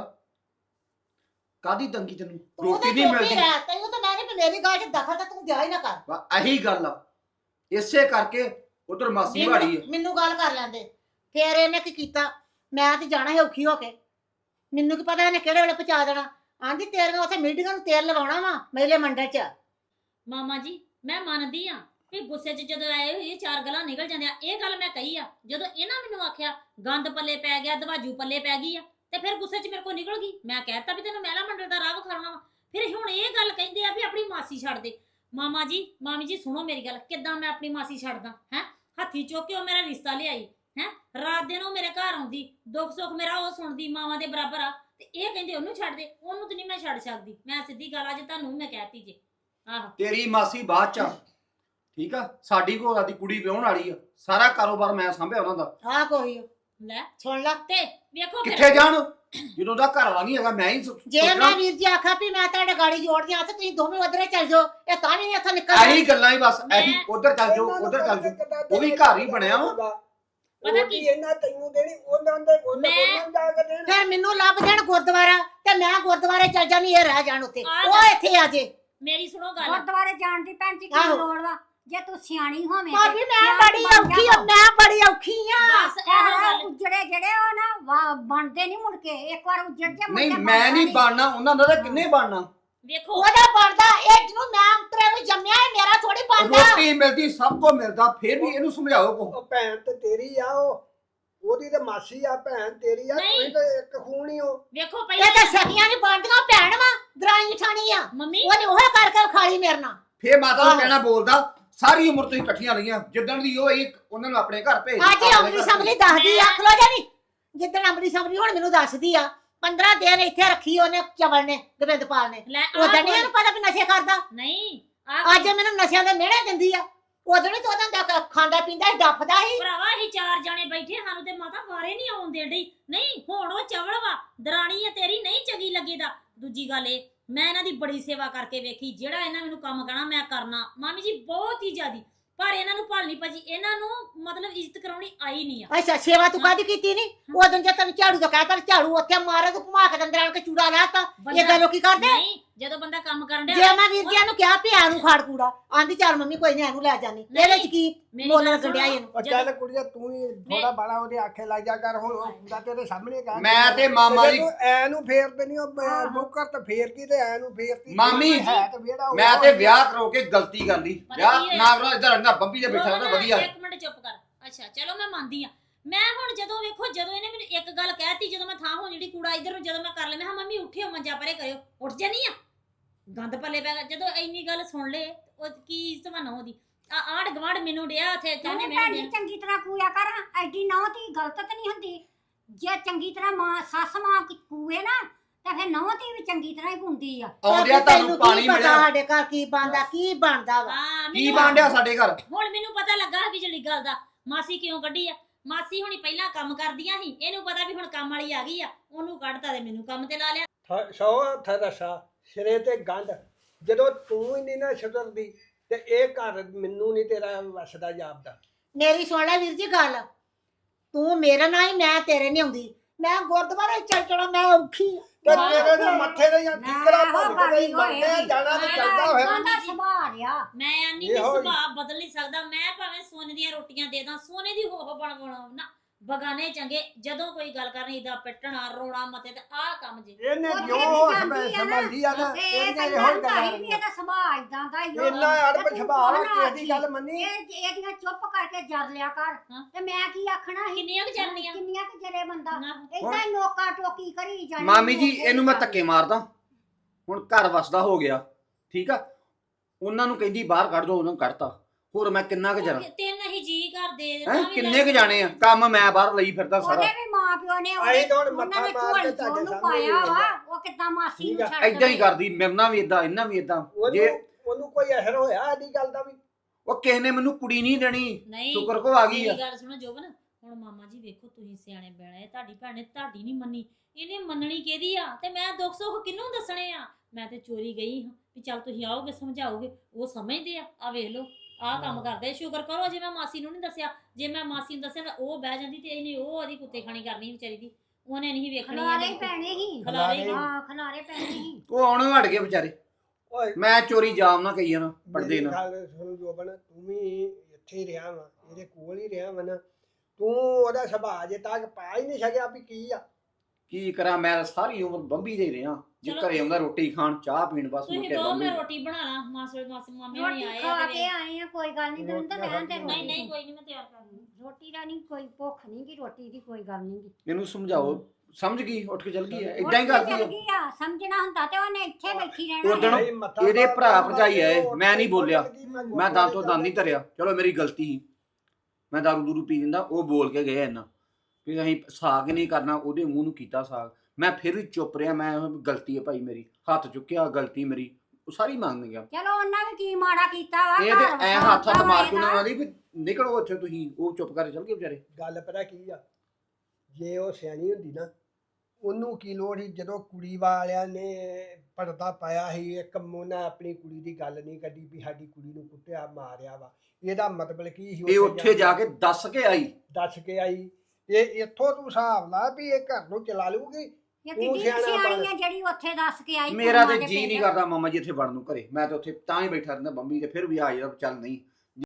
[SPEAKER 2] ਕਾਦੀ ਤੰਗੀ ਤੈਨੂੰ?
[SPEAKER 3] ਤੂੰ
[SPEAKER 2] ਰੋਟੀ
[SPEAKER 3] ਤਾਂ
[SPEAKER 2] ਨਹੀਂ
[SPEAKER 3] ਚੁੱਪ ਹੀ
[SPEAKER 2] ਮਿਲਦੀ।
[SPEAKER 3] ਰਹਿ, ਤੈਨੂੰ ਤਾਂ ਮੈਂ ਨਹੀਂ ਮੇਰੀ ਗੱਲ 'ਚ ਦਖਲ ਤਾਂ ਤੂੰ ਦਿਆ ਹੀ ਨਾ ਕਰ।
[SPEAKER 2] ਵਾਹ, ਇਹੀ ਗੱਲ ਆ, ਇਸੇ ਕਰਕੇ ਉਧਰ ਮਾਸੀ ਵਾੜੀ ਹੈ।
[SPEAKER 3] ਮੈਨੂੰ ਮੈਨੂੰ ਗੱਲ ਕਰ ਲੈਂਦੇ। ਫੇਰ ਇਹਨੇ ਕੀ ਕੀਤਾ? ਮੈਂ ਤੇ ਜਾਣਾ ਸੀ ਔਖੀ ਹੋ ਕੇ, ਮੈਨੂੰ ਕੀ ਪਤਾ ਇਹਨੇ ਕਿਹੜੇ ਵੇਲੇ ਪਹੁੰਚਾ ਦੇਣਾ। ਆਂਦੀ ਤੇਰੀਆਂ ਉੱਥੇ ਮੀਟਿੰਗਾਂ ਨੂੰ ਤੇਲ ਲਵਾਉਣਾ ਵਾ ਮੇਲੇ ਮੰਡਲ 'ਚ।
[SPEAKER 1] ਮਾਮਾ ਜੀ ਮੈਂ ਮੰਨਦੀ ਆ ਵੀ ਗੁੱਸੇ 'ਚ ਜਦੋਂ ਆਏ ਹੋਏ ਚਾਰ ਗੱਲਾਂ ਨਿਕਲ ਜਾਂਦੀਆਂ। ਇਹ ਗੱਲ ਮੈਂ ਕਹੀ ਆ, ਜਦੋਂ ਇਹਨਾਂ ਮੈਨੂੰ ਆਖਿਆ ਗੰਦ ਪੱਲੇ ਪੈ ਗਿਆ, ਦਵਾਜੂ ਪੱਲੇ ਪੈ ਗਈ ਆ, ਤੇ ਫਿਰ ਗੁੱਸੇ 'ਚ ਮੇਰੇ ਕੋਲ ਨਿਕਲ ਗਈ। ਮੈਂ ਕਹਿਤਾ ਵੀ ਤੈਨੂੰ ਮਹਿਲਾ ਮੰਡਲ ਦਾ ਰਾਹ ਵਿਖਾਉਣਾ ਵਾ। ਫਿਰ ਹੁਣ ਇਹ ਗੱਲ ਕਹਿੰਦੇ ਆ ਵੀ ਆਪਣੀ ਮਾਸੀ ਛੱਡ ਦੇ। ਮਾਮਾ ਜੀ ਮਾਮੀ ਜੀ ਸੁਣੋ ਮੇਰੀ ਗੱਲ, ਕਿੱਦਾਂ ਮੈਂ ਆਪਣੀ ਮਾਸੀ ਛੱਡਦਾ ਹੈ? ਹੱਥੀ ਚੁੱਕ ਕੇ ਉਹ ਮੇਰਾ ਰਿਸ਼ਤਾ ਲਿਆਈ ਹੈ, ਰਾਤ ਦਿਨ ਉਹ ਮੇਰੇ ਘਰ ਆਉਂਦੀ, ਦੁੱਖ ਸੁੱਖ ਮੇਰਾ ਉਹ ਸੁਣਦੀ, ਮਾਵਾਂ ਦੇ ਬਰਾਬਰ ਆ। ਤੇ ਇਹ ਕਹਿੰਦੇ ਉਹਨੂੰ ਛੱਡ ਦੇ, ਉਹਨੂੰ ਤੇ ਨਹੀਂ ਮੈਂ ਛੱਡ ਸਕਦੀ। ਮੈਂ ਸਿੱਧੀ ਗੱਲ ਅੱਜ ਤੁਹਾਨੂੰ ਵੀ ਮੈਂ ਕਹਿਤੀ ਜੇ। ਆਹੋ
[SPEAKER 2] ਤੇਰੀ ਮਾਸੀ ਬਾਅਦ ਚ ਆ, ਠੀਕ ਆ? ਸਾਡੀ ਘੋੜਾ ਦੀ ਕੁੜੀ ਵਿਆਹਣ ਵਾਲੀ ਆ, ਸਾਰਾ ਕਾਰੋਬਾਰ ਮੈਂ ਸੰਭਿਆ ਉਹਨਾਂ ਦਾ।
[SPEAKER 3] ਆਹ ਕੋਈ
[SPEAKER 1] ਲੈ
[SPEAKER 3] ਸੁਣ ਲਾ।
[SPEAKER 1] ਤੇ ਵੇਖੋ ਫਿਰ
[SPEAKER 2] ਕਿੱਥੇ ਜਾਣ ਜਦੋਂ ਦਾ ਘਰ ਵਾਲਾ ਨਹੀਂ ਹੈਗਾ, ਮੈਂ ਹੀ ਸੋ-
[SPEAKER 3] ਜੇ
[SPEAKER 2] ਸੋਚਣਾ।
[SPEAKER 3] ਮੈਂ ਵੀਰ ਜੀ ਆਖਾਂ ਵੀ ਮੈਂ ਤੁਹਾਡੇ ਗਾੜੀ ਜੋੜਦੀ ਆ ਤੇ ਤੁਸੀਂ ਦੋਵੇਂ ਉਧਰੇ ਚੱਲ ਜਾਓ, ਇਹ ਤਾਂ ਵੀ ਨਹੀਂ ਇੱਥੋਂ ਨਿਕਲ
[SPEAKER 2] ਇਹੀ ਗੱਲਾਂ ਹੀ ਬਸ, ਇਹੀ
[SPEAKER 1] ਮੈਂ-
[SPEAKER 2] ਉਧਰ ਚੱਲ ਜਾਓ, ਉਧਰ ਚੱਲ ਜਾਓ। ਉਹ ਵੀ ਘਰ ਹੀ ਬਣਿਆ ਵਾ।
[SPEAKER 1] ਪਤਾ
[SPEAKER 5] ਕੀ
[SPEAKER 1] ਕੀ-
[SPEAKER 5] ਇਹਨਾਂ ਤੈਨੂੰ ਦੇਣੀ, ਉਹਨਾਂ ਦੇ ਉਹਨਾਂ
[SPEAKER 1] ਮੈਂ-
[SPEAKER 5] ਉਹਨਾਂ ਨੂੰ ਜਾ ਕੇ ਦੇਣ।
[SPEAKER 3] ਫਿਰ ਮੈਨੂੰ ਲੱਭ ਦੇਣ ਗੁਰਦੁਆਰਾ ਤੇ ਮੈਂ ਗੁਰਦੁਆਰੇ ਚੱਲ ਜਾਣੀ, ਇਹ ਰਹਿ ਜਾਣ ਉੱਥੇ,
[SPEAKER 1] ਆ
[SPEAKER 3] ਉਹ ਇੱਥੇ ਆ ਜੇ।
[SPEAKER 1] ਮੇਰੀ ਸੁਣੋ ਗੱਲ,
[SPEAKER 4] ਗੁਰਦੁਆਰੇ ਜਾਣ ਦੀ ਭੈਣ ਜੀ ਕੀ
[SPEAKER 3] ਆਹੋ।
[SPEAKER 4] ਲੋੜ ਵਾ? ਜੇ ਤੂੰ ਸਿਆਣੀ ਹੋਵੇਂ
[SPEAKER 3] ਭਾਬੀ ਮੈਂ ਬੜੀ ਔਖੀ ਆ ਮੈਂ ਬੜੀ ਔਖੀ ਆ
[SPEAKER 1] ਬਸ ਇਹੋ ਗੱਲ
[SPEAKER 4] ਉਜੜੇ ਜਿਹੜੇ ਉਹ ਨਾ ਵਾ- ਬਣਦੇ ਨਹੀਂ ਮੁੜ ਕੇ ਇੱਕ ਵਾਰ ਉਜੜ ਜਾ ਮੁੜ
[SPEAKER 2] ਨਹੀਂ
[SPEAKER 4] ਕੇ
[SPEAKER 2] ਮੈਂ
[SPEAKER 4] ਬਣਦਾ
[SPEAKER 2] ਨਹੀਂ ਬਣਨਾ ਉਹਨਾਂ ਦਾ ਤਾਂ ਕਿੰਨੇ ਬਣਨਾ
[SPEAKER 1] ਵੇਖੋ
[SPEAKER 3] ਉਹਦਾ ਬਣਦਾ ਇਹ ਜਿਹਨੂੰ ਮੈਂ ਅੰਤਰੇ ਨੂੰ ਜੰਮਿਆ ਹੈ ਮੇਰਾ ਥੋੜੀ ਬਣਦਾ
[SPEAKER 2] ਰੋਟੀ ਮਿਲਦੀ ਸਭ ਤੋਂ ਮਿਲਦਾ ਫਿਰ ਵੀ ਇਹਨੂੰ ਸਮਝਾਓ ਕੋ
[SPEAKER 5] ਉਹ ਭੈਣ ਤੇ ਤੇਰੀ ਆ ਉਹ ਉਹਦੀ ਤੇ ਮਾਸੀ ਆ ਭੈਣ ਤੇਰੀ ਆ
[SPEAKER 1] ਨਹੀਂ।
[SPEAKER 5] ਤੁਸੀਂ ਤਾਂ ਇੱਕ ਖੂਨ ਹੀ ਹੋ
[SPEAKER 1] ਵੇਖੋ
[SPEAKER 3] ਇਹ
[SPEAKER 1] ਪਹਿਲਾਂ
[SPEAKER 3] ਤਾਂ ਸਖੀਆਂ ਨਹੀਂ ਬਣਦੀਆਂ ਭੈਣ ਵਾ ਦਰਾਣੀ ਠਾਣੀ ਆ
[SPEAKER 1] ਮੰਮੀ
[SPEAKER 3] ਉਹਨੇ ਉਹ ਕਰਕੇ ਖਾਲੀ ਮੇਰੇ ਨਾਲ
[SPEAKER 2] ਫੇਰ ਮਾਤਾ ਨੂੰ
[SPEAKER 3] ਆਹੋ।
[SPEAKER 2] ਕਹਿਣਾ ਬੋਲਦਾ ਸਾਰੀ ਉਮਰ ਤੁਸੀਂ ਇਕੱਠੀਆਂ ਰਹੀਆਂ ਜਿੱਦਣ ਦੀ ਉਹ ਇੱਕ ਉਹਨਾਂ ਨੂੰ ਆਪਣੇ ਘਰ ਭੇਜ
[SPEAKER 3] ਅੱਜ ਹੀ ਅੰਮ੍ਰਿਤ ਸੰਭਲੀ ਦੱਸਦੀ ਆ ਖਲੋ ਜਾਨੀ ਜਿੱਦਣ ਅੰਮ੍ਰਿਤ ਸੰਭਲੀ ਹੁਣ ਮੈਨੂੰ ਦੱਸਦੀ ਆ ਪੰਦਰਾਂ ਦਿਨ ਇੱਥੇ ਰੱਖੀ ਉਹਨੇ ਚਵਲ ਨੇ ਗੋਬਿੰਦਪਾਲ ਨੇ
[SPEAKER 1] ਲੈ ਆਹ
[SPEAKER 3] ਉਦੋਂ ਨਹੀਂ
[SPEAKER 1] ਕੋਈ-
[SPEAKER 3] ਇਹਨੂੰ ਪਤਾ ਵੀ ਨਸ਼ੇ ਕਰਦਾ
[SPEAKER 1] ਨਹੀਂ ਆ
[SPEAKER 3] ਅੱਜ ਮੈਨੂੰ ਨਸ਼ਿਆਂ ਦੇ ਮਿਹਣੇ ਦਿੰਦੀ ਆ ਉਦੋਂ ਨਹੀਂ ਤੋਦਾਂ ਦਾ ਖਾਂਦਾ ਪੀਂਦਾ ਸੀ ਡੱਫਦਾ ਸੀ
[SPEAKER 1] ਭਰਾਵਾ ਅਸੀਂ ਚਾਰ ਜਾਣੇ ਬੈਠੇ ਸਾਨੂੰ ਤੇ ਮਾਤਾ ਵਾਰੇ ਨਹੀਂ ਆਉਣ ਦੇ ਡਈ ਨਹੀਂ ਹੁਣ ਉਹ ਚਵਲ ਵਾ ਦਰਾਣੀ ਆ ਤੇਰੀ ਨਹੀਂ ਚੰਗੀ ਲੱਗੇਦਾ ਦੂਜੀ ਗੱਲ ਇਹ ਮੈਂ ਇਹਨਾਂ ਦੀ ਬੜੀ ਸੇਵਾ ਕਰਕੇ ਵੇਖੀ ਜਿਹੜਾ ਇਹਨਾਂ ਮੈਨੂੰ ਕੰਮ ਕਹਿਣਾ ਮੈਂ ਕਰਨਾ ਮਾਮੀ ਜੀ ਬਹੁਤ ਹੀ ਜ਼ਿਆਦੀ ਪਰ ਇਹਨਾਂ ਨੂੰ ਭਾਲਣੀ ਭਾਜੀ ਇਹਨਾਂ ਨੂੰ ਮਤਲਬ ਇੱਜ਼ਤ ਕਰਾਉਣੀ ਆਈ ਨਹੀਂ ਆ
[SPEAKER 3] ਅੱਛਾ ਸੇਵਾ ਤੂੰ ਕਾਦੀ ਕੀਤੀ ਨਹੀਂ ਉਦੋਂ ਜੇ ਤੈਨੂੰ ਝਾੜੂ ਦਾ ਕਹਿਤਾ ਝਾੜੂ ਉੱਥੇ ਮਾਰੇ ਤੂੰ ਘੁਮਾ ਕੇ ਅੰਦਰ ਆਣ ਕੇ ਚੂੜਾ ਲਾਤਾ
[SPEAKER 1] ਬੰਦਾ-
[SPEAKER 3] ਏਦਾਂ ਲੋਕੀ ਕਰਦੇ
[SPEAKER 1] ਨਹੀਂ ਜਦੋਂ ਬੰਦਾ ਕੰਮ ਕਰਨ
[SPEAKER 3] ਜੇ
[SPEAKER 1] ਡਿਆ
[SPEAKER 3] ਮੈਂ ਵੀਰ ਜੀ ਨੂੰ ਕਿਹਾ ਵੀ ਐਨੂੰ ਖਾੜ ਕੂੜਾ ਆਂਦੀ ਚੱਲ ਮੰਮੀ ਕੋਈ ਨਹੀਂ ਐਨੂੰ ਲੈ ਜਾਨੀ ਇਹਦੇ ਚ ਕੀ
[SPEAKER 1] ਮੇਰੀ
[SPEAKER 3] ਬੋਲਣ
[SPEAKER 1] ਗੱਲ ਸੁਣੋ,
[SPEAKER 3] ਗੰਡਿਆ ਇਹਨੂੰ
[SPEAKER 5] ਉਹ
[SPEAKER 1] ਜਦੋਂ-
[SPEAKER 5] ਚੱਲ ਕੁੜੀਆ ਤੂੰ ਹੀ ਥੋੜਾ ਬਾਲਾ ਉਹਦੇ ਆਖੇ ਲੱਗ ਜਾ ਕਰ ਹੁਣ ਉਹ ਪੂਰਾ ਤੇਰੇ ਸਾਹਮਣੇ ਕਹਿ
[SPEAKER 2] ਮੈਂ ਤੇ ਮਾਮਾ ਜੀ
[SPEAKER 5] ਤੂੰ ਐ ਨੂੰ ਫੇਰਦੇ ਨਹੀਂ ਉਹ ਬੁੱਕਰ ਤੇ ਫੇਰ ਕੀ ਤੇ ਐ ਨੂੰ ਫੇਰਤੀ
[SPEAKER 2] ਮਾਮੀ,
[SPEAKER 5] ਹੈ ਤੇ ਵਿਹੜਾ
[SPEAKER 2] ਮੈਂ
[SPEAKER 5] ਉਹ
[SPEAKER 2] ਤੇ
[SPEAKER 5] ਹੀ।
[SPEAKER 2] ਵਿਆਹ ਕਰੋ ਕੇ ਗਲਤੀ ਕਰ ਲਈ
[SPEAKER 1] ਪਤਾ
[SPEAKER 2] ਵਿਆਹ
[SPEAKER 1] ਕੀ ਹੈ?
[SPEAKER 2] ਨਾ ਕਰੋ ਇਧਰ ਨਾ ਬੰਬੀ ਦੇ ਬੈਠਾ ਰਹਿੰਦਾ ਵਧੀਆ
[SPEAKER 1] ਇੱਕ ਮਿੰਟ ਚੁੱਪ ਕਰ ਅੱਛਾ ਚਲੋ ਮੈਂ ਮੰਨਦੀ ਆ ਮੈਂ ਹੁਣ ਜਦੋਂ ਵੇਖੋ ਜਦੋਂ ਇਹਨੇ ਮੈਨੂੰ ਇੱਕ ਗੱਲ ਕਹਿਤੀ ਜਦੋਂ ਮੈਂ ਥਾਂ ਹੋ ਜਿਹੜੀ ਕੂੜਾ ਇਧਰ ਨੂੰ ਜਦੋਂ ਮੈਂ ਕਰ ਲਿਆ ਮੈਂ ਕਿਹਾ ਮੰਮੀ ਉੱਠਿਓ ਮੰਜਾ ਪਰੇ ਕਰਿਓ ਉੱਠ ਜਾਨੀ ਆ ਗੰਦ ਪੱਲੇ ਪੈ ਗਿਆ ਜਦੋਂ ਇੰਨੀ ਗੱਲ ਸੁਣ ਲੇ ਉਹ ਕੀ ਸਵਨ ਉਹਦੀ ਆ ਆੜ ਗਵਾੜ ਮੈਨੂੰ ਡਿਆ ਉੱਥੇ
[SPEAKER 4] ਤੂੰ
[SPEAKER 1] ਕਹਿੰਦੇ
[SPEAKER 4] ਭੈਣ
[SPEAKER 1] ਮੈਨੂੰ
[SPEAKER 4] ਜੀ ਚੰਗੀ ਤਰ੍ਹਾਂ ਕੂਇਆ ਕਰ ਐਡੀ ਨੌ ਦੀ ਗਲਤ ਤਾਂ ਨਹੀਂ ਹੁੰਦੀ ਜੇ ਚੰਗੀ ਤਰ੍ਹਾਂ ਮਾਂ ਸੱਸ ਮਾਂ ਕੀ ਕੂਏ ਨਾ ਤਾਂ ਫਿਰ ਨੌ ਦੀ ਵੀ ਚੰਗੀ ਤਰ੍ਹਾਂ ਹੀ ਹੁੰਦੀ ਆ
[SPEAKER 2] ਆਉਂਦਿਆ
[SPEAKER 3] ਤੈਨੂੰ
[SPEAKER 2] ਤੁਹਾਨੂੰ
[SPEAKER 3] ਕੀ
[SPEAKER 2] ਪਾਣੀ
[SPEAKER 3] ਪਤਾ
[SPEAKER 2] ਮਿਲਿਆ
[SPEAKER 3] ਸਾਡੇ ਘਰ ਕੀ ਬਣਦਾ ਕੀ ਬਣਦਾ ਵਾ
[SPEAKER 1] ਹਾਂ
[SPEAKER 2] ਕੀ
[SPEAKER 1] ਮੈਨੂੰ
[SPEAKER 2] ਬਾਂਡਿਆ ਸਾਡੇ ਘਰ
[SPEAKER 1] ਹੁਣ ਮੈਨੂੰ ਪਤਾ ਲੱਗਾ ਵੀ ਜਿਹੜੀ ਗੱਲ ਦਾ ਮਾਸੀ ਕਿਉਂ ਕੱਢੀ ਆ ਮਾਸੀ ਹੁਣੀ ਪਹਿਲਾਂ ਕੰਮ ਕਰਦੀਆਂ ਸੀ ਇਹਨੂੰ ਪਤਾ ਵੀ ਹੁਣ ਕੰਮ ਵਾਲੀ ਆ ਗਈ ਆ ਉਹਨੂੰ ਕੱਢਤਾ ਤੇ ਮੈਨੂੰ ਕੰਮ ਤੇ ਲਾ ਲਿਆ
[SPEAKER 5] ਥ- ਸੌ ਹੱਥ ਰਸਾ ਸਿਰੇ ਤੇ ਗੰਢ ਜਦੋਂ ਤੂੰ ਹੀ ਨਹੀਂ ਨਾ ਸੁਧਰਦੀ ਤੇ ਇਹ ਘਰ ਮੈਨੂੰ ਨਹੀਂ ਤੇਰਾ ਵਸਦਾ ਜਾਪਦਾ
[SPEAKER 3] ਮੇਰੀ ਸੁਣ ਲੈ ਵੀਰ ਜੀ ਗੱਲ ਤੂੰ ਮੇਰੇ ਨਾਲ ਹੀ ਮੈਂ ਤੇਰੇ ਨਹੀਂ ਆਉਂਦੀ ਮੈਂ ਗੁਰਦੁਆਰੇ ਚੱਲ ਚੜਾ ਮੈਂ ਔਖੀ ਆ।
[SPEAKER 5] ਤੇ
[SPEAKER 1] ਵਾਹ।
[SPEAKER 5] ਤੇਰੇ ਦੇ ਮੱਥੇ ਦੇ ਜਾਂ
[SPEAKER 4] ਮੈਂ
[SPEAKER 5] ਟਿਕਰਾ
[SPEAKER 4] ਇਹੋ
[SPEAKER 5] ਭੁੱਲ
[SPEAKER 4] ਗੱਲ
[SPEAKER 5] ਕੇ
[SPEAKER 4] ਹੀ
[SPEAKER 5] ਮਰਦੇ
[SPEAKER 4] ਹੋਏਗੀ।
[SPEAKER 5] ਜਾਣਾ ਤੇ
[SPEAKER 1] ਮੈਂ
[SPEAKER 5] ਚੱਲਦਾ
[SPEAKER 1] ਨਾ
[SPEAKER 5] ਹੋਇਆ
[SPEAKER 4] ਉਹਦਾ ਸੁਭਾਅ ਰਿਹਾ
[SPEAKER 1] ਮੈਂ ਨਹੀਂ
[SPEAKER 5] ਇਹੋ ਹੀ।
[SPEAKER 1] ਸੁਭਾਅ ਬਦਲ ਨਹੀਂ ਸਕਦਾ ਮੈਂ ਭਾਵੇਂ ਸੋਨੇ ਦੀਆਂ ਰੋਟੀਆਂ ਦੇ ਦਾਂ ਸੋਨੇ ਦੀ ਹੋ ਬਣ ਬਣਾਉਣਾ ਬਗਾਨੇ ਚੰਗੇ ਜਦੋਂ ਕੋਈ ਗੱਲ ਕਰਨੀ ਦਾ ਪਿੱਟਣਾ ਰੋਣਾ ਮਤੇ ਤੇ ਆਹ ਕੰਮ ਜੇ
[SPEAKER 5] ਇਹਨੇ
[SPEAKER 4] ਉਹ
[SPEAKER 5] ਜੋ
[SPEAKER 4] ਜਿਹੜੀ
[SPEAKER 5] ਸਮਝ
[SPEAKER 4] ਜਾਂਦੀ ਆ ਨਾ,
[SPEAKER 5] ਸੰਭਾਲੀ ਆ ਨਾ
[SPEAKER 4] ਤੇ ਇਹ
[SPEAKER 5] ਇਹਦੀਆਂ
[SPEAKER 4] ਤਾਂ
[SPEAKER 5] ਇਹੋ ਹੀ
[SPEAKER 4] ਗੱਲਾਂ
[SPEAKER 5] ਗੱਲਾਂ
[SPEAKER 4] ਵੀ ਇਹਦਾ ਸੁਭਾਅ ਇਦਾਂ ਦਾ ਹੀ ਆ।
[SPEAKER 5] ਇੰਨਾ ਅੜਬ
[SPEAKER 4] ਤੇ ਤੂੰ
[SPEAKER 5] ਸੁਭਾਅ
[SPEAKER 4] ਕੋਹ
[SPEAKER 5] ਕਿਸੇ ਦੀ ਗੱਲ ਮੰਨੀ
[SPEAKER 4] ਇਹ ਇਹਦੀਆਂ ਚੁੱਪ ਕਰਕੇ ਜਰ ਲਿਆ ਕਰ
[SPEAKER 1] ਹਾਂ।
[SPEAKER 4] ਤੇ ਮੈਂ ਕੀ ਆਖਣਾ ਸੀ
[SPEAKER 1] ਕਿੰਨੀਆਂ ਕੁ ਜਰਨੀਆਂ
[SPEAKER 4] ਕਿੰਨੀਆਂ ਕਿ ਜਰੇ ਬੰਦਾ
[SPEAKER 1] ਨਾ
[SPEAKER 4] ਇਦਾਂ ਹੀ ਨੋਕਾ ਟੋਕੀ ਕਰੀ ਜਾਣੀ
[SPEAKER 2] ਮਾਮੀ ਜੀ
[SPEAKER 4] ਨੋਕੇ
[SPEAKER 2] ਇਹਨੂੰ ਮੈਂ
[SPEAKER 4] ਜਾਣੀ।
[SPEAKER 2] ਧੱਕੇ ਮਾਰਦਾ ਹੁਣ ਘਰ ਵਸਦਾ ਹੋ ਗਿਆ ਠੀਕ ਆ ਉਹਨਾਂ ਨੂੰ ਕਹਿੰਦੀ ਬਾਹਰ ਕੱਢ ਦੋ ਉਹਨਾਂ ਨੂੰ ਕੱਢਤਾ ਹੋਰ ਮੈਂ ਕਿੰਨਾ ਕੁ ਜਰਾ
[SPEAKER 1] ਤਿੰਨ ਹੀ ਜੀ ਘਰ ਦੇ
[SPEAKER 2] ਹੈ
[SPEAKER 1] ਤਾਂ ਵੀ
[SPEAKER 2] ਕਿੰਨੇ
[SPEAKER 1] ਲੈ-
[SPEAKER 2] ਕੁ ਜਾਣੇ ਆ ਕੰਮ ਮੈਂ ਬਾਹਰ ਲਈ ਫਿਰਦਾ ਸਾਰਾ
[SPEAKER 4] ਉਹਦੇ ਵੀ ਮਾਂ ਪਿਓ ਨੇ
[SPEAKER 5] ਆਈ ਤਾਂ ਹੁਣ
[SPEAKER 4] ਉਹਨਾਂ
[SPEAKER 5] ਮੱਥਾ
[SPEAKER 4] ਨੇ
[SPEAKER 5] ਮਾਰ ਕੇ
[SPEAKER 4] ਝੋਲੀ
[SPEAKER 5] ਤੁਹਾਡੇ
[SPEAKER 4] ਉਹਨੂੰ
[SPEAKER 5] ਸਾਹਮਣੇ
[SPEAKER 4] ਪਾਇਆ
[SPEAKER 5] ਹੀ
[SPEAKER 4] ਵਾ ਉਹ ਕਿੱਦਾਂ ਮਾਸੀ
[SPEAKER 5] ਠੀਕ
[SPEAKER 4] ਨੂੰ
[SPEAKER 5] ਆ,
[SPEAKER 4] ਛੱਡ
[SPEAKER 2] ਐਦਾਂ ਹੀ
[SPEAKER 4] ਦੇਵੇ।
[SPEAKER 2] ਕਰਦੀ ਮੇਰੇ ਨਾਲ ਵੀ ਇਦਾਂ ਇਹਨਾਂ ਵੀ ਇਦਾਂ ਜੇ
[SPEAKER 5] ਉਹਨੂੰ ਉਹਨੂੰ ਕੋਈ ਅਸਰ ਹੋਇਆ ਇਹਦੀ ਗੱਲ ਦਾ ਵੀ
[SPEAKER 2] ਉਹ ਕਿਸੇ ਨੇ ਮੈਨੂੰ ਕੁੜੀ ਨਹੀਂ ਦੇਣੀ
[SPEAKER 1] ਨਹੀਂ
[SPEAKER 2] ਸ਼ੁਕਰ ਕੋ ਆ ਗਈ ਆ
[SPEAKER 1] ਮੇਰੀ ਗੱਲ ਸੁਣੋ ਜੋਬਨ ਹੁਣ ਮਾਮਾ ਜੀ ਵੇਖੋ ਤੁਸੀਂ ਸਿਆਣੇ ਬੈਣਾ ਹੈ ਤੁਹਾਡੀ ਭੈਣ ਨੇ ਤੁਹਾਡੀ ਨਹੀਂ ਮੰਨੀ ਇਹਨੇ ਮੰਨਣੀ ਕਿਹਦੀ ਆ ਤੇ ਮੈਂ ਦੁੱਖ ਸੁੱਖ ਕਿਹਨੂੰ ਦੱਸਣੇ ਆ ਮੈਂ ਤੇ ਚੋਰੀ ਗਈ ਹਾਂ ਵੀ ਚੱਲ ਤੁਸੀਂ ਆਓਗੇ ਸਮਝਾਓਗੇ ਉਹ ਸਮਝਦੇ ਆ ਆ ਵੇਖ ਲਓ ਆਹ ਕੰਮ ਕਰਦੇ ਸ਼ੁਕਰ ਕਰੋ ਜੇ ਮੈਂ ਮਾਸੀ ਨੂੰ ਨਹੀਂ ਦੱਸਿਆ ਜੇ ਮੈਂ ਮਾਸੀ ਨੂੰ ਦੱਸਿਆ ਤਾਂ ਉਹ ਬਹਿ ਜਾਂਦੀ ਤੇ ਇਹਨੇ ਉਹ ਉਹਦੀ ਕੁੱਤੇ ਖਾਣੀ ਕਰਨੀ ਵਿਚਾਰੀ ਦੀ ਉਹਨੇ ਨਹੀਂ ਵੇਖਣੀ
[SPEAKER 4] ਖਲਾਰੇ
[SPEAKER 1] ਇਹਨੇ।
[SPEAKER 4] ਪੈਣੇ ਹੀ
[SPEAKER 1] ਖਲਾਰੇ ਹੀ।
[SPEAKER 4] ਹਾਂ ਖਲਾਰੇ ਪੈਣੇ ਹੀ
[SPEAKER 2] ਉਹ ਆਉਣੋਂ ਹਟ ਗਏ ਵਿਚਾਰੇ
[SPEAKER 5] ਓਏ
[SPEAKER 2] ਮੈਂ ਚੋਰੀ ਜਾਮ ਨਾ ਕਹੀ ਨਾ ਪੜਦੇ
[SPEAKER 5] ਮੇਰੀ
[SPEAKER 2] ਨਾ
[SPEAKER 5] ਗੱਲ ਸੁਣ ਜੋਬਨ ਤੂੰ ਵੀ ਇੱਥੇ ਹੀ ਰਿਹਾ ਵਾ ਇਹਦੇ ਕੋਲ ਹੀ ਰਿਹਾ ਵਾ ਨਾ ਤੂੰ ਉਹਦਾ ਸੁਭਾਅ ਜੇ ਤੱਕ ਪਾ ਹੀ ਨਹੀਂ ਸਕਿਆ ਵੀ ਕੀ ਆ
[SPEAKER 2] ਕੀ ਕਰਾਂ ਮੈਂ ਸਾਰੀ ਉਮਰ ਬੰਬੀ ਦੇ ਰਿਹਾ ਜੇ
[SPEAKER 1] ਚਲੋ।
[SPEAKER 2] ਘਰੇ ਆਉਂਦਾ ਰੋਟੀ ਖਾਣ ਚਾਹ ਪੀਣ ਬਸ
[SPEAKER 1] ਤੁਸੀਂ
[SPEAKER 2] ਮੁੱਕੇ
[SPEAKER 1] ਦੋ
[SPEAKER 2] ਬੰਬੀ
[SPEAKER 1] ਮੈਂ ਰੋਟੀ ਬਣਾ ਲਾਂ ਮਾਸੜ ਮਾਸੀ ਮਾਮੇ ਹੋਣੀ
[SPEAKER 4] ਰੋਟੀ
[SPEAKER 1] ਆਏ
[SPEAKER 4] ਖਾ
[SPEAKER 1] ਆ
[SPEAKER 4] ਕੇ
[SPEAKER 1] ਤੇ
[SPEAKER 4] ਆਏ ਆ ਕੋਈ ਗੱਲ ਨਹੀਂ ਤੈਨੂੰ ਤਾਂ ਰਹਿਣ ਤੇ
[SPEAKER 1] ਨਹੀਂ ਨਹੀਂ
[SPEAKER 4] ਰੋਟੀ
[SPEAKER 1] ਕੋਈ ਨਹੀਂ ਮੈਂ ਤਿਆਰ ਕਰ ਲੂੰ
[SPEAKER 4] ਰੋਟੀ ਦਾ ਨਹੀਂ ਕੋਈ ਭੁੱਖ ਨਹੀਂ ਗੀ ਰੋਟੀ ਦੀ ਕੋਈ ਗੱਲ ਨਹੀਂ ਗੀ
[SPEAKER 2] ਇਹਨੂੰ ਸਮਝਾਓ ਸਮਝ ਗਈ ਉੱਠ ਕੇ ਚਲ ਗਈ ਐ
[SPEAKER 4] ਉੱਠ
[SPEAKER 2] ਇਦਾਂ ਹੀ
[SPEAKER 4] ਕੇ
[SPEAKER 2] ਕਰਦੀ
[SPEAKER 4] ਚੱਲ
[SPEAKER 2] ਆ
[SPEAKER 4] ਗਈ ਆ ਸਮਝਣਾ ਹੁੰਦਾ ਤੇ ਉਹਨੇ ਇੱਥੇ ਬੈਠੀ ਰਹਿਣਾ
[SPEAKER 2] ਉਦਣ
[SPEAKER 4] ਹੈ।
[SPEAKER 5] ਨਹੀਂ, ਮੱਥਾ
[SPEAKER 2] ਇਹਦੇ
[SPEAKER 5] ਮਾਰ
[SPEAKER 2] ਭਰਾ
[SPEAKER 5] ਕੇ
[SPEAKER 2] ਭਰਜਾਈ ਆਏ,
[SPEAKER 5] ਉਹ
[SPEAKER 2] ਮੈਂ ਨਹੀਂ ਬੋਲਿਆ।
[SPEAKER 5] ਮੈਂ
[SPEAKER 2] ਮੈਂ ਦੰਦ ਤੋਂ ਦੰਦ ਨਹੀਂ ਧਰਿਆ ਚਲੋ ਮੇਰੀ ਗਲਤੀ ਸੀ ਮੈਂ ਦਾਰੂ ਦੂਰੂ ਪੀ ਦਿੰਦਾ ਉਹ ਬੋਲ ਕੇ ਗਏ ਇੰਨਾ ਵੀ ਅਸੀਂ ਸਾਗ ਨਹੀਂ ਕਰਨਾ ਉਹਦੇ ਮੂੰਹ ਨੂੰ ਕੀਤਾ ਸਾਗ ਮੈਂ ਫਿਰ ਵੀ ਚੁੱਪ ਰਿਹਾ ਮੈਂ ਕਿਹਾ ਵੀ ਗਲਤੀ ਹੈ ਭਾਈ ਮੇਰੀ ਹੱਥ ਚੁੱਕਿਆ ਗਲਤੀ ਮੇਰੀ ਉਹ ਸਾਰੀ ਮੰਨ ਗਿਆ
[SPEAKER 4] ਚਲੋ ਉਹਨਾਂ ਵੀ ਕੀ ਮਾੜਾ ਕੀਤਾ ਵਾ
[SPEAKER 2] ਇਹ
[SPEAKER 4] ਘਰ
[SPEAKER 2] ਤੇ ਐ
[SPEAKER 4] ਵਸਾਤਾ
[SPEAKER 2] ਹੱਥ ਹੱਥ
[SPEAKER 4] ਵਾ
[SPEAKER 2] ਮਾਰ ਕੇ
[SPEAKER 4] ਇਹਦਾ।
[SPEAKER 2] ਉਹਨਾਂ ਦੀ ਵੀ ਨਿਕਲੋ ਉੱਥੇ ਤੁਸੀਂ ਉਹ ਚੁੱਪ ਕਰਕੇ ਚਲ ਗਏ ਵਿਚਾਰੇ
[SPEAKER 5] ਗੱਲ ਪਤਾ ਕੀ ਆ ਜੇ ਉਹ ਸਿਆਣੀ ਹੁੰਦੀ ਨਾ ਉਹਨੂੰ ਕੀ ਲੋੜ ਸੀ ਜਦੋਂ ਕੁੜੀ ਵਾਲਿਆਂ ਨੇ ਪਰਦਾ ਪਾਇਆ ਸੀ ਇੱਕ ਮੋਨਾ ਆਪਣੀ ਕੁੜੀ ਦੀ ਗੱਲ ਨਹੀਂ ਕੱਢੀ ਵੀ ਸਾਡੀ ਕੁੜੀ ਨੂੰ ਕੁੱਟਿਆ ਮਾਰਿਆ ਵਾ ਇਹਦਾ ਮਤਲਬ ਕੀ ਸੀ
[SPEAKER 2] ਇਹ ਉੱਥੇ ਜਾ ਕੇ ਦੱਸ ਕੇ ਆਈ
[SPEAKER 5] ਦੱਸ ਕੇ ਆਈ ਇਹ ਇੱਥੋਂ ਤੂੰ ਹਿਸਾਬ ਲਾ ਵੀ ਇਹ ਘਰ ਨੂੰ ਚਲਾ ਲੂਗੀ
[SPEAKER 4] ਇਹ
[SPEAKER 5] ਤੂੰ
[SPEAKER 4] ਕਿੱਡੀ
[SPEAKER 5] ਸਿਆਣਾ
[SPEAKER 4] ਸਿਆਣੀ
[SPEAKER 5] ਬਣ।
[SPEAKER 4] ਆ ਜਿਹੜੀ ਉੱਥੇ ਦੱਸ ਕੇ ਆਈ
[SPEAKER 2] ਮੇਰਾ
[SPEAKER 4] ਕੁੜੀਆਂ
[SPEAKER 2] ਤੇ
[SPEAKER 4] ਦੇ
[SPEAKER 2] ਜੀ ਨਹੀਂ
[SPEAKER 4] ਪਿੰਡ।
[SPEAKER 2] ਕਰਦਾ ਮਾਮਾ ਜੀ ਇੱਥੇ ਵੜਨ ਨੂੰ ਘਰੇ ਮੈਂ ਤਾਂ ਉੱਥੇ ਤਾਂ ਹੀ ਬੈਠਾ ਰਹਿੰਦਾ ਬੰਬੀ ਤੇ ਫਿਰ ਵੀ ਆ ਜਾਂਦਾ ਚੱਲ ਨਹੀਂ